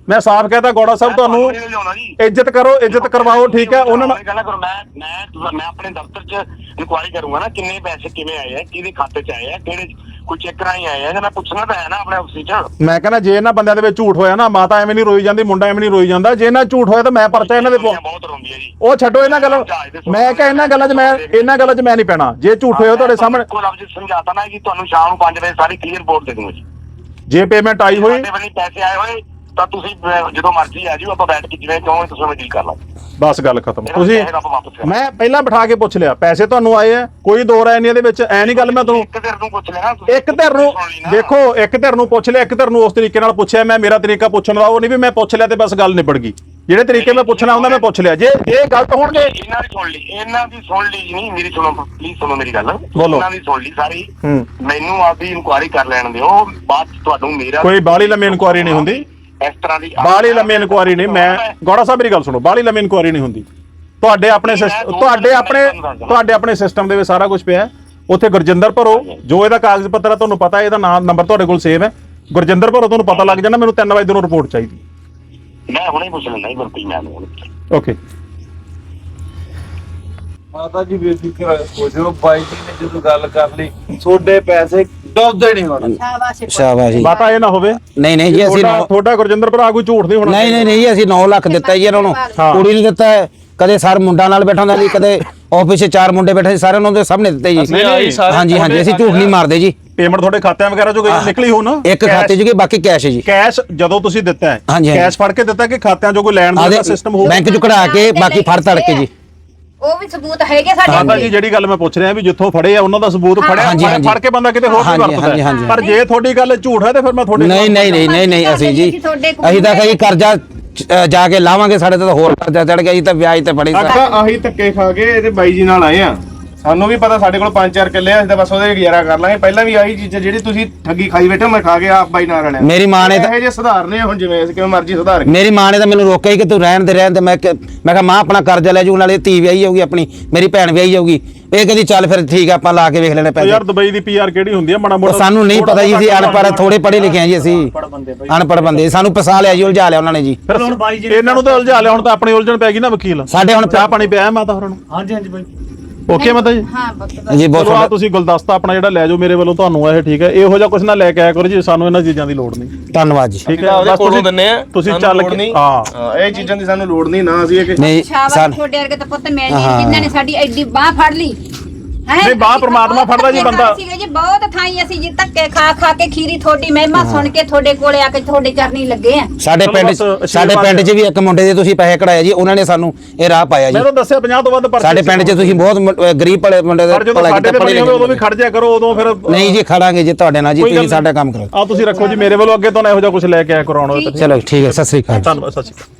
ਮੈਂ ਸਾਫ਼ ਕਹਤਾ ਗੌੜਾ ਸਾਹਿਬ ਤੁਹਾਨੂੰ ਇੱਜ਼ਤ ਕਰੋ, ਇੱਜ਼ਤ ਕਰਵਾਓ, ਠੀਕ ਹੈ ਉਹਨਾਂ ਨਾਲ ਗੱਲ ਕਰੋ। ਮੈਂ ਮੈਂ ਮੈਂ ਆਪਣੇ ਦਫ਼ਤਰ 'ਚ ਇਨਕੁਆਇਰੀ ਕਰੂੰਗਾ ਨਾ ਕਿੰਨੇ ਪੈਸੇ ਕਿਵੇਂ ਆਏ ਆ, ਕਿਹਦੇ ਖਾਤੇ 'ਚ ਆਏ ਆ, ਕਿਹੜੇ ਕੋਈ ਚੈੱਕ ਰਾਹੀਂ ਆਏ ਆ, ਜਾਂ ਮੈਂ ਪੁੱਛਣਾ ਤਾਂ ਹੈ ਨਾ ਆਪਣੇ ਆਫਿਸ 'ਚ। ਮੈਂ ਕਹਿੰਦਾ ਜੇ ਇਹਨਾਂ ਬੰਦਿਆਂ ਦੇ ਵਿੱਚ ਝੂਠ ਹੋਇਆ ਨਾ, ਮਾਤਾ ਐਵੇਂ ਨਹੀਂ ਰੋਈ ਜਾਂਦੀ, ਮੁੰਡਾ ਐਵੇਂ ਨਹੀਂ ਰੋਈ ਜਾਂਦਾ। ਜੇ ਇਹਨਾਂ ਝੂਠ ਹੋਇਆ ਤਾਂ ਮੈਂ ਪਰਚਾ ਇਹਨਾਂ ਦੇ ਪਵਾ ਬਹੁਤ ਰੋਂਦੀ ਹੈ ਜੀ। ਉਹ ਛੱਡੋ ਇਹਨਾਂ ਗੱਲਾਂ, ਮੈਂ ਕਿਹਾ ਇਹਨਾਂ ਗੱਲਾਂ 'ਚ ਮੈਂ ਇਹਨਾਂ ਗੱਲਾਂ 'ਚ ਮੈਂ ਨਹੀਂ ਪੈਣਾ। ਜੇ ਝੂਠ ਹੋਇਆ ਤੁਹਾਡੇ ਸਾਹਮਣੇ ਕੋਈ ਲਫ਼ਜ਼ ਸਮਝਾਤਾ ਨਾ ਕਿ ਤੁਹਾਨੂੰ ਸ਼ਾਮ ਨੂੰ ਪੰਜ ਵਜੇ ਸਾਰੀ ਕਲੀਅਰ ਰਿਪੋਰਟ ਦੇ ਦੂੰਗਾ ਜੀ। ਜੇ ਪੇਮੈਂਟ ਆਈ ਹੋਈ ਸਾਡੇ ਵੱਲੋਂ ਪੈਸੇ ਆਏ ਹੋਏ ਤਾਂ ਤੁਸੀਂ ਅਹ, ਜਦੋਂ ਮਰਜ਼ੀ ਆ ਜਿਓ, ਆਪਾਂ ਬੈਠ ਕੇ ਜਿਵੇਂ ਕਹੋਗੇ ਤੁਸੀਂ ਉਵੇਂ ਡੀਲ ਕਰ ਲਾਂਗੇ। ਬਸ ਗੱਲ ਖਤਮ। ਤੁਸੀਂ ਪੈਸੇ ਆਪਾਂ ਵਾਪਸ ਕਰ ਮੈਂ ਪਹਿਲਾਂ ਬਿਠਾ ਕੇ ਪੁੱਛ ਲਿਆ, ਪੈਸੇ ਤੁਹਾਨੂੰ ਆਏ ਆ, ਕੋਈ ਦੋ ਰਾਏ ਨਹੀਂ ਇਹਦੇ ਵਿੱਚ। ਐ ਨਹੀਂ ਗੱਲ ਮੈਂ ਤੁਹਾਨੂੰ ਇੱਕ ਧਿਰ ਨੂੰ ਪੁੱਛ ਲੈਣਾ ਤੁਸੀਂ। ਇੱਕ ਧਿਰ ਨੂੰ ਸੁਣ ਲਈ ਨਾ। ਦੇਖੋ, ਇੱਕ ਧਿਰ ਨੂੰ ਪੁੱਛ ਲਿਆ, ਇੱਕ ਧਿਰ ਨੂੰ ਉਸ ਤਰੀਕੇ ਨਾਲ ਪੁੱਛਿਆ। ਮੈਂ ਮੇਰਾ ਤਰੀਕਾ ਪੁੱਛਣ ਦਾ ਉਹ ਨਹੀਂ ਵੀ ਮੈਂ ਪੁੱਛ ਲਿਆ ਤੇ ਬਸ ਗੱਲ ਨਿਬੜ ਗਈ। ਜਿਹੜੇ ਤਰੀਕੇ ਮੈਂ ਪੁੱਛਣਾ ਹੁੰਦਾ ਮੈਂ ਪੁੱਛ ਲਿਆ। ਜੇ ਇਹ ਗਲਤ ਹੋਣਗੇ ਇਹਨਾਂ ਦੀ ਸੁਣ ਲਈ, ਇਹਨਾਂ ਦੀ ਸੁਣ ਲਈ ਨਹੀਂ, ਮੇਰੀ ਸੁਣੋ ਪਲੀਜ਼, ਸੁਣੋ ਮੇਰੀ ਗੱਲ। ਬੋਲੋ। ਇਹਨਾਂ ਦੀ ਸੁਣ ਲਈ ਸਾਰੀ। ਹੂੰ। ਮੈਨੂੰ ਆਪਦੀ ਇਨਕੁਆਇਰੀ ਕਰ ਲੈਣ ਦਿਓ, ਬਾਅਦ 'ਚ ਤੁਹਾਨੂੰ ਮੇਰਾ ਕੋਈ ਬਾਹਲੀ ਲੰਮੀ ਇਨਕੁਆਇਰੀ ਨਹੀਂ ਹੁੰਦੀ, ਇਸ ਤਰ੍ਹਾਂ ਦੀ ਬਾਹਲੀ ਲੰਮੀ ਇਨਕੁਆਇਰੀ ਨਹੀਂ। ਮੈਂ ਗੌੜਾ ਸਾਹਿਬ ਮੇਰੀ ਗੱਲ ਸੁਣੋ, ਬਾਹਲੀ ਲੰਮੀ ਇਨਕੁਆਇਰੀ ਨਹੀਂ ਹੁੰਦੀ। ਤੁਹਾਡੇ ਆਪਣੇ ਸਿਸ- ਤੁਹਾਡੇ ਆਪਣੇ ਤੁਹਾਡੇ ਆਪਣੇ ਸਿਸਟਮ ਦੇ ਵਿੱਚ ਸਾਰਾ ਕੁਝ ਪਿਆ। ਉੱਥੇ ਗੁਰਜਿੰਦਰ ਭਰੋ, ਜੋ ਇਹਦਾ ਕਾਗਜ਼ ਪੱਤਰ ਹੈ ਤੁਹਾਨੂੰ ਪਤਾ, ਇਹਦਾ ਨਾਮ ਨੰਬਰ ਤੁਹਾਡੇ ਕੋਲ ਸੇਵ ਹੈ। ਗੁਰਜਿੰਦਰ ਭਰੋ, ਤੁਹਾਨੂੰ ਪਤਾ ਲੱਗ ਜਾਣਾ। ਮੈਨੂੰ ਤਿੰਨ ਵਜੇ ਨੂੰ ਰਿਪੋਰਟ ਚਾਹੀਦੀ। ਮੈਂ ਹੁਣੇ ਪੁੱਛ ਲੈਣਾ ਹੀ ਗੁਰਪ੍ਰੀਤ ਮੈਮ ਨੂੰ। ਓਕੇ। ਮਾਤਾ ਜੀ ਬੇਫਿਕਰ ਹੋ ਜਾਓ, ਬਾਈ ਜੀ ਨੇ ਜਦੋਂ ਗੱਲ ਕਰ ਲਈ ਤੁਹਾਡੇ ਪੈਸੇ ਡੁੱਬਦੇ ਨਹੀਂ ਹੋਣੇ। ਸ਼ਾਬਾਸ਼ ਜੀ। ਮਾਤਾ ਇਹ ਨਾ ਹੋਵੇ ਨਹੀਂ ਨਹੀਂ ਜੀ ਅਸੀਂ ਤੁਹਾਡਾ ਨੌ- ਤੁਹਾਡਾ ਗੁਰਜਿੰਦਰ ਭਰਾ ਕੋਈ ਝੂਠ ਨਹੀਂ ਹੋਣਾ। ਨਹੀਂ ਨਹੀਂ ਨਹੀਂ ਜੀ, ਅਸੀਂ ਨੌ ਲੱਖ ਦਿੱਤਾ ਜੀ ਇਹਨਾਂ ਨੂੰ, ਕੁੜੀ ਨੂੰ ਦਿੱਤਾ ਹੈ। ਕਦੇ ਸਰ ਮੁੰਡਾ ਨਾਲ ਬੈਠਾ ਹੁੰਦਾ ਜੀ, ਕਦੇ ਆਫਿਸ 'ਚ ਚਾਰ ਮੁੰਡੇ ਬੈਠੇ ਸੀ, ਸਾਰਿਆਂ ਨੂੰ ਉਹਦੇ ਸਾਹਮਣੇ ਦਿੱਤੇ ਜੀ। ਹਾਂਜੀ ਹਾਂਜੀ, ਅਸੀਂ ਝੂਠ ਨਹੀਂ ਮਾਰਦੇ ਜੀ। ਪੇਮੈਂਟ ਤੁਹਾਡੇ ਖਾਤਿਆਂ ਵਗੈਰਾ ਚੋਂ ਗਈ ਨਿਕਲੀ ਹੋ ਨਾ? ਇੱਕ ਖਾਤੇ 'ਚ ਗਈ, ਬਾਕੀ ਕੈਸ਼ ਹੈ ਜੀ। ਕੈਸ਼ ਜਦੋਂ ਤੁਸੀਂ ਦਿੱਤਾ ਹੈ, ਹਾਂਜੀ, ਹਾਂਜੀ। ਕੈਸ਼ ਫੜ ਕੇ ਦਿੱਤਾ ਕਿ ਖਾਤਿਆਂ ਚੋਂ ਕੋਈ ਲੈਣ ਦੇਣ ਦਾ ਸਿਸਟਮ ਹੋਊ? ਬੈਂਕ 'ਚ ਕਢਾ ਕੇ ਬਾਕੀ ਫੜ ਤੜ ਕੇ ਜੀ। ਉਹ ਵੀ ਸਬੂਤ ਹੈਗੇ ਸਾਡੇ ਮਾਤਾ ਜੀ ਜਿਹੜੀ ਗੱਲ ਮੈਂ ਪੁੱਛ ਰਿਹਾ ਵੀ ਜਿੱਥੋਂ ਫੜੇ ਆ ਉਹਨਾਂ ਦਾ ਸਬੂਤ ਫੜਿਆ, ਹਾਂਜੀ, ਹਾਂਜੀ। ਫੜ ਕੇ ਬੰਦਾ ਕਿਤੇ ਹੋਰ ਵੀ ਹਾਂਜੀ, ਹਾਂਜੀ, ਵਰਤਦਾ ਹਾਂਜੀ। ਪਰ ਜੇ ਤੁਹਾਡੀ ਗੱਲ ਝੂਠ ਹੈ ਤੇ ਫਿਰ ਮੈਂ ਤੁਹਾਡੇ ਨਹੀਂ ਨਹੀਂ ਨਹੀਂ ਨਹੀਂ ਨਹੀਂ ਅਸੀਂ ਜੀ ਅਸੀਂ ਤਾਂ ਕਹੀ ਕਰਜ਼ਾ ਅ, ਜਾ ਕੇ ਲਾਵਾਂਗੇ, ਸਾਡੇ ਤੇ ਤਾਂ ਹੋਰ ਕਰਜ਼ਾ ਚੜ ਗਿਆ ਜੀ, ਤਾਂ ਵਿਆਜ ਤੇ ਫੜੀ ਸਾ ਅੱਛਾ ਆਹੀ ਧੱਕੇ ਖਾ ਕੇ ਇਹਦੇ ਬਾਈ ਜੀ ਨਾਲ ਆਏ ਆ। ਸਾਨੂੰ ਵੀ ਪਤਾ ਸਾਡੇ ਕੋਲ ਪੰਜ ਚਾਰ ਕਿੱਲੇ ਆ, ਅਸੀਂ ਤਾਂ ਬਸ ਉਹਦੇ ਗੁਜ਼ਾਰਾ ਕਰ ਲਾਂਗੇ। ਪਹਿਲਾਂ ਵੀ ਆਹੀ ਚੀਜ਼ਾਂ ਜਿਹੜੀ ਤੁਸੀਂ ਠੱਗੀ ਖਾਈ ਬੈਠੇ ਹੋ, ਮੈਂ ਖਾ ਕੇ ਆਪ ਬਾਈ ਨਾਲ ਰਲਿਆ। ਮੇਰੀ ਮਾਂ ਨੇ ਤਾਂ ਇਹੋ ਜਿਹੇ ਸੁਧਾਰਨੇ ਆ ਹੁਣ, ਜਿਵੇਂ ਅਸੀਂ ਕਿਵੇਂ ਮਰਜ਼ੀ ਸੁਧਾਰ ਕੇ। ਮੇਰੀ ਮਾਂ ਨੇ ਤਾਂ ਮੈਨੂੰ ਰੋਕਿਆ ਹੀ ਕਿ ਤੂੰ ਰਹਿਣ ਦੇ ਰਹਿਣ ਦੇ। ਮੈਂ ਕਿ- ਮੈਂ ਕਿਹਾ ਮਾਂ ਆਪਣਾ ਕਰਜ਼ਾ ਲੈ ਜੂ, ਨਾਲੇ ਧੀ ਵਿਆਹੀ ਜਾਊਗੀ, ਆਪਣੀ ਮੇਰੀ ਭੈਣ ਵਿਆਹੀ ਜਾਊਗੀ। ਇਹ ਕਹਿੰਦੀ ਚੱਲ ਫਿਰ ਠੀਕ ਆ, ਆਪਾਂ ਲਾ ਕੇ ਵੇਖ ਲੈਣੇ ਪੈਸੇ। ਯਾਰ ਦੁਬਈ ਦੀ ਪੀਆਰ ਕਿਹੜੀ ਹੁੰਦੀ ਹੈ ਮਾੜਾ ਉਹ ਮੋਟਾ ਸਾਨੂੰ ਨਹੀਂ ਪਤਾ ਜੀ, ਅਸੀਂ ਅਨਪੜ੍ਹ ਥੋੜੇ ਪੜ੍ਹੇ ਲਿਖੇ ਆ ਜੀ, ਅਸੀਂ ਅਨਪੜ੍ਹ ਬੰਦੇ। ਸਾਨੂੰ ਫਸਾ ਲਿਆ ਜੀ, ਉਲਝਾ ਲਿਆ ਉਹਨਾਂ ਨੇ ਜੀ। ਫਿਰ ਹੁਣ ਬਾਈ ਜੀ ਇਹਨਾਂ ਨੂੰ ਤਾਂ ਉਲਝਾ ਲਿਆ, ਹੁਣ ਤਾਂ ਆਪਣੀ ਉਲਝਣ ਪੈ ਗਈ ਨਾ ਵਕੀਲ। ਸਾਡੇ ਹੁਣ ਚਾਹ ਪਾਣੀ ਪਿਆ ਮਾਤਾ ਹੋਰਾਂ ਨੂੰ? ਹਾਂਜੀ ਹਾਂਜੀ ਬਾਈ। ਓਕੇ ਮਾਤਾ ਜੀ। ਹਾਂ ਪੁੱਤ। ਜੀ ਬਹੁਤ ਚਲੋ ਆ ਤੁਹਾਡਾ- ਤੁਸੀਂ ਗੁਲਦਸਤਾ ਆਪਣਾ ਜਿਹੜਾ ਲੈ ਜਾਓ ਮੇਰੇ ਵੱਲੋਂ ਤੁਹਾਨੂੰ ਇਹ ਠੀਕ ਹੈ। ਇਹੋ ਜਿਹਾ ਕੁਝ ਨਾ ਲੈ ਕੇ ਆਇਆ ਕਰੋ ਜੀ, ਸਾਨੂੰ ਇਹਨਾਂ ਚੀਜ਼ਾਂ ਦੀ ਲੋੜ ਨਹੀਂ। ਧੰਨਵਾਦ ਜੀ। ਠੀਕ ਹੈ, ਬਸ ਤੁਸੀਂ ਦਿੰਨੇ ਆ, ਤੁਸੀਂ ਸਾਨੂੰ ਚੱਲ ਲੋੜ ਕੇ ਨਹੀਂ। ਹਾਂ ਹਾਂ, ਇਹ ਚੀਜ਼ਾਂ ਦੀ ਸਾਨੂੰ ਲੋੜ ਨਹੀਂ ਨਾ। ਅਸੀਂ ਇਹ ਕਿ ਨਹੀਂ ਸ਼ਾਬਾਸ਼, ਸਨ ਤੁਹਾਡੇ ਵਰਗੇ ਤਾਂ ਪੁੱਤ ਮਿਲਣੀ ਹਾਂ। ਜਿਨ੍ਹਾਂ ਨੇ ਸਾਡੀ ਐਡੀ ਬਾਹ ਫੜ ਲਈ ਹੈ। ਨਹੀਂ, ਬਾਂਹ ਪ੍ਰਮਾਤਮਾ ਫੜਦਾ ਜੀ ਬੰਦਾ। ਸੀਗੇ ਜੀ ਬਹੁਤ ਥਾਈਂ ਅਸੀਂ ਜੀ ਧੱਕੇ ਖਾ ਖਾ ਕੇ ਖੀਰੀ ਤੁਹਾਡੀ ਮਹਿਮਾ ਸੁਣ ਕੇ ਤੁਹਾਡੇ ਕੋਲੇ ਆ ਕੇ ਤੁਹਾਡੇ ਚਰਨੀ ਲੱਗੇ ਆ। ਸਾਡੇ ਚਲੋ ਪਿੰਡ ਬਸ ਆਸ਼ੀਰਵਾਦ ਸਾਡੇ ਪਿੰਡ 'ਚ ਵੀ ਇੱਕ ਮੁੰਡੇ ਦੇ ਤੁਸੀਂ ਪੈਸੇ ਕਢਾਏ ਜੀ, ਉਹਨਾਂ ਨੇ ਸਾਨੂੰ ਇਹ ਰਾਹ ਪਾਇਆ ਜੀ। ਮੈਂ ਤਾਂ ਦੱਸਿਆ ਪੰਜਾਹ ਤੋਂ ਵੱਧ ਪਰਚੇ ਸਾਡੇ ਪਿੰਡ 'ਚ ਤੁਸੀਂ ਬਹੁਤ ਮੁੰ- ਅਹ ਗਰੀਬ ਭਲੇ ਮੁੰਡੇ ਦੇ ਪਰ ਜਦੋਂ ਭਲਾ ਸਾਡੇ ਕੀਤਾ, ਤੇ ਪੜ੍ਹੇ ਬਣੀ ਹੋਵੇ ਉਦੋਂ ਵੀ ਲਿਖੇ। ਖੜ ਜਾ ਕਰੋ, ਉਦੋਂ ਫਿਰ ਨਹੀਂ ਜੀ, ਖੜਾਂਗੇ ਜੀ ਤੁਹਾਡੇ ਨਾਲ ਜੀ, ਕੋਈ ਗੱਲ ਤੁਸੀਂ ਸਾਡਾ ਕੰਮ ਕਰੋ। ਆ ਤੁਸੀਂ ਰੱਖੋ ਜੀ ਮੇਰੇ ਵੱਲੋਂ, ਅੱਗੇ ਤੋਂ ਨਾ ਇਹੋ ਜਿਹਾ ਕੁਝ ਲੈ ਕੇ ਆਇਆ ਕਰਾਉਣਾ। ਚਲੋ ਠੀਕ ਹੈ, ਸਤਿ ਸ੍ਰੀ ਅਕਾਲ। ਧੰਨਵਾਦ, ਸਤਿ ਸ਼੍ਰੀ ਅਕਾਲ।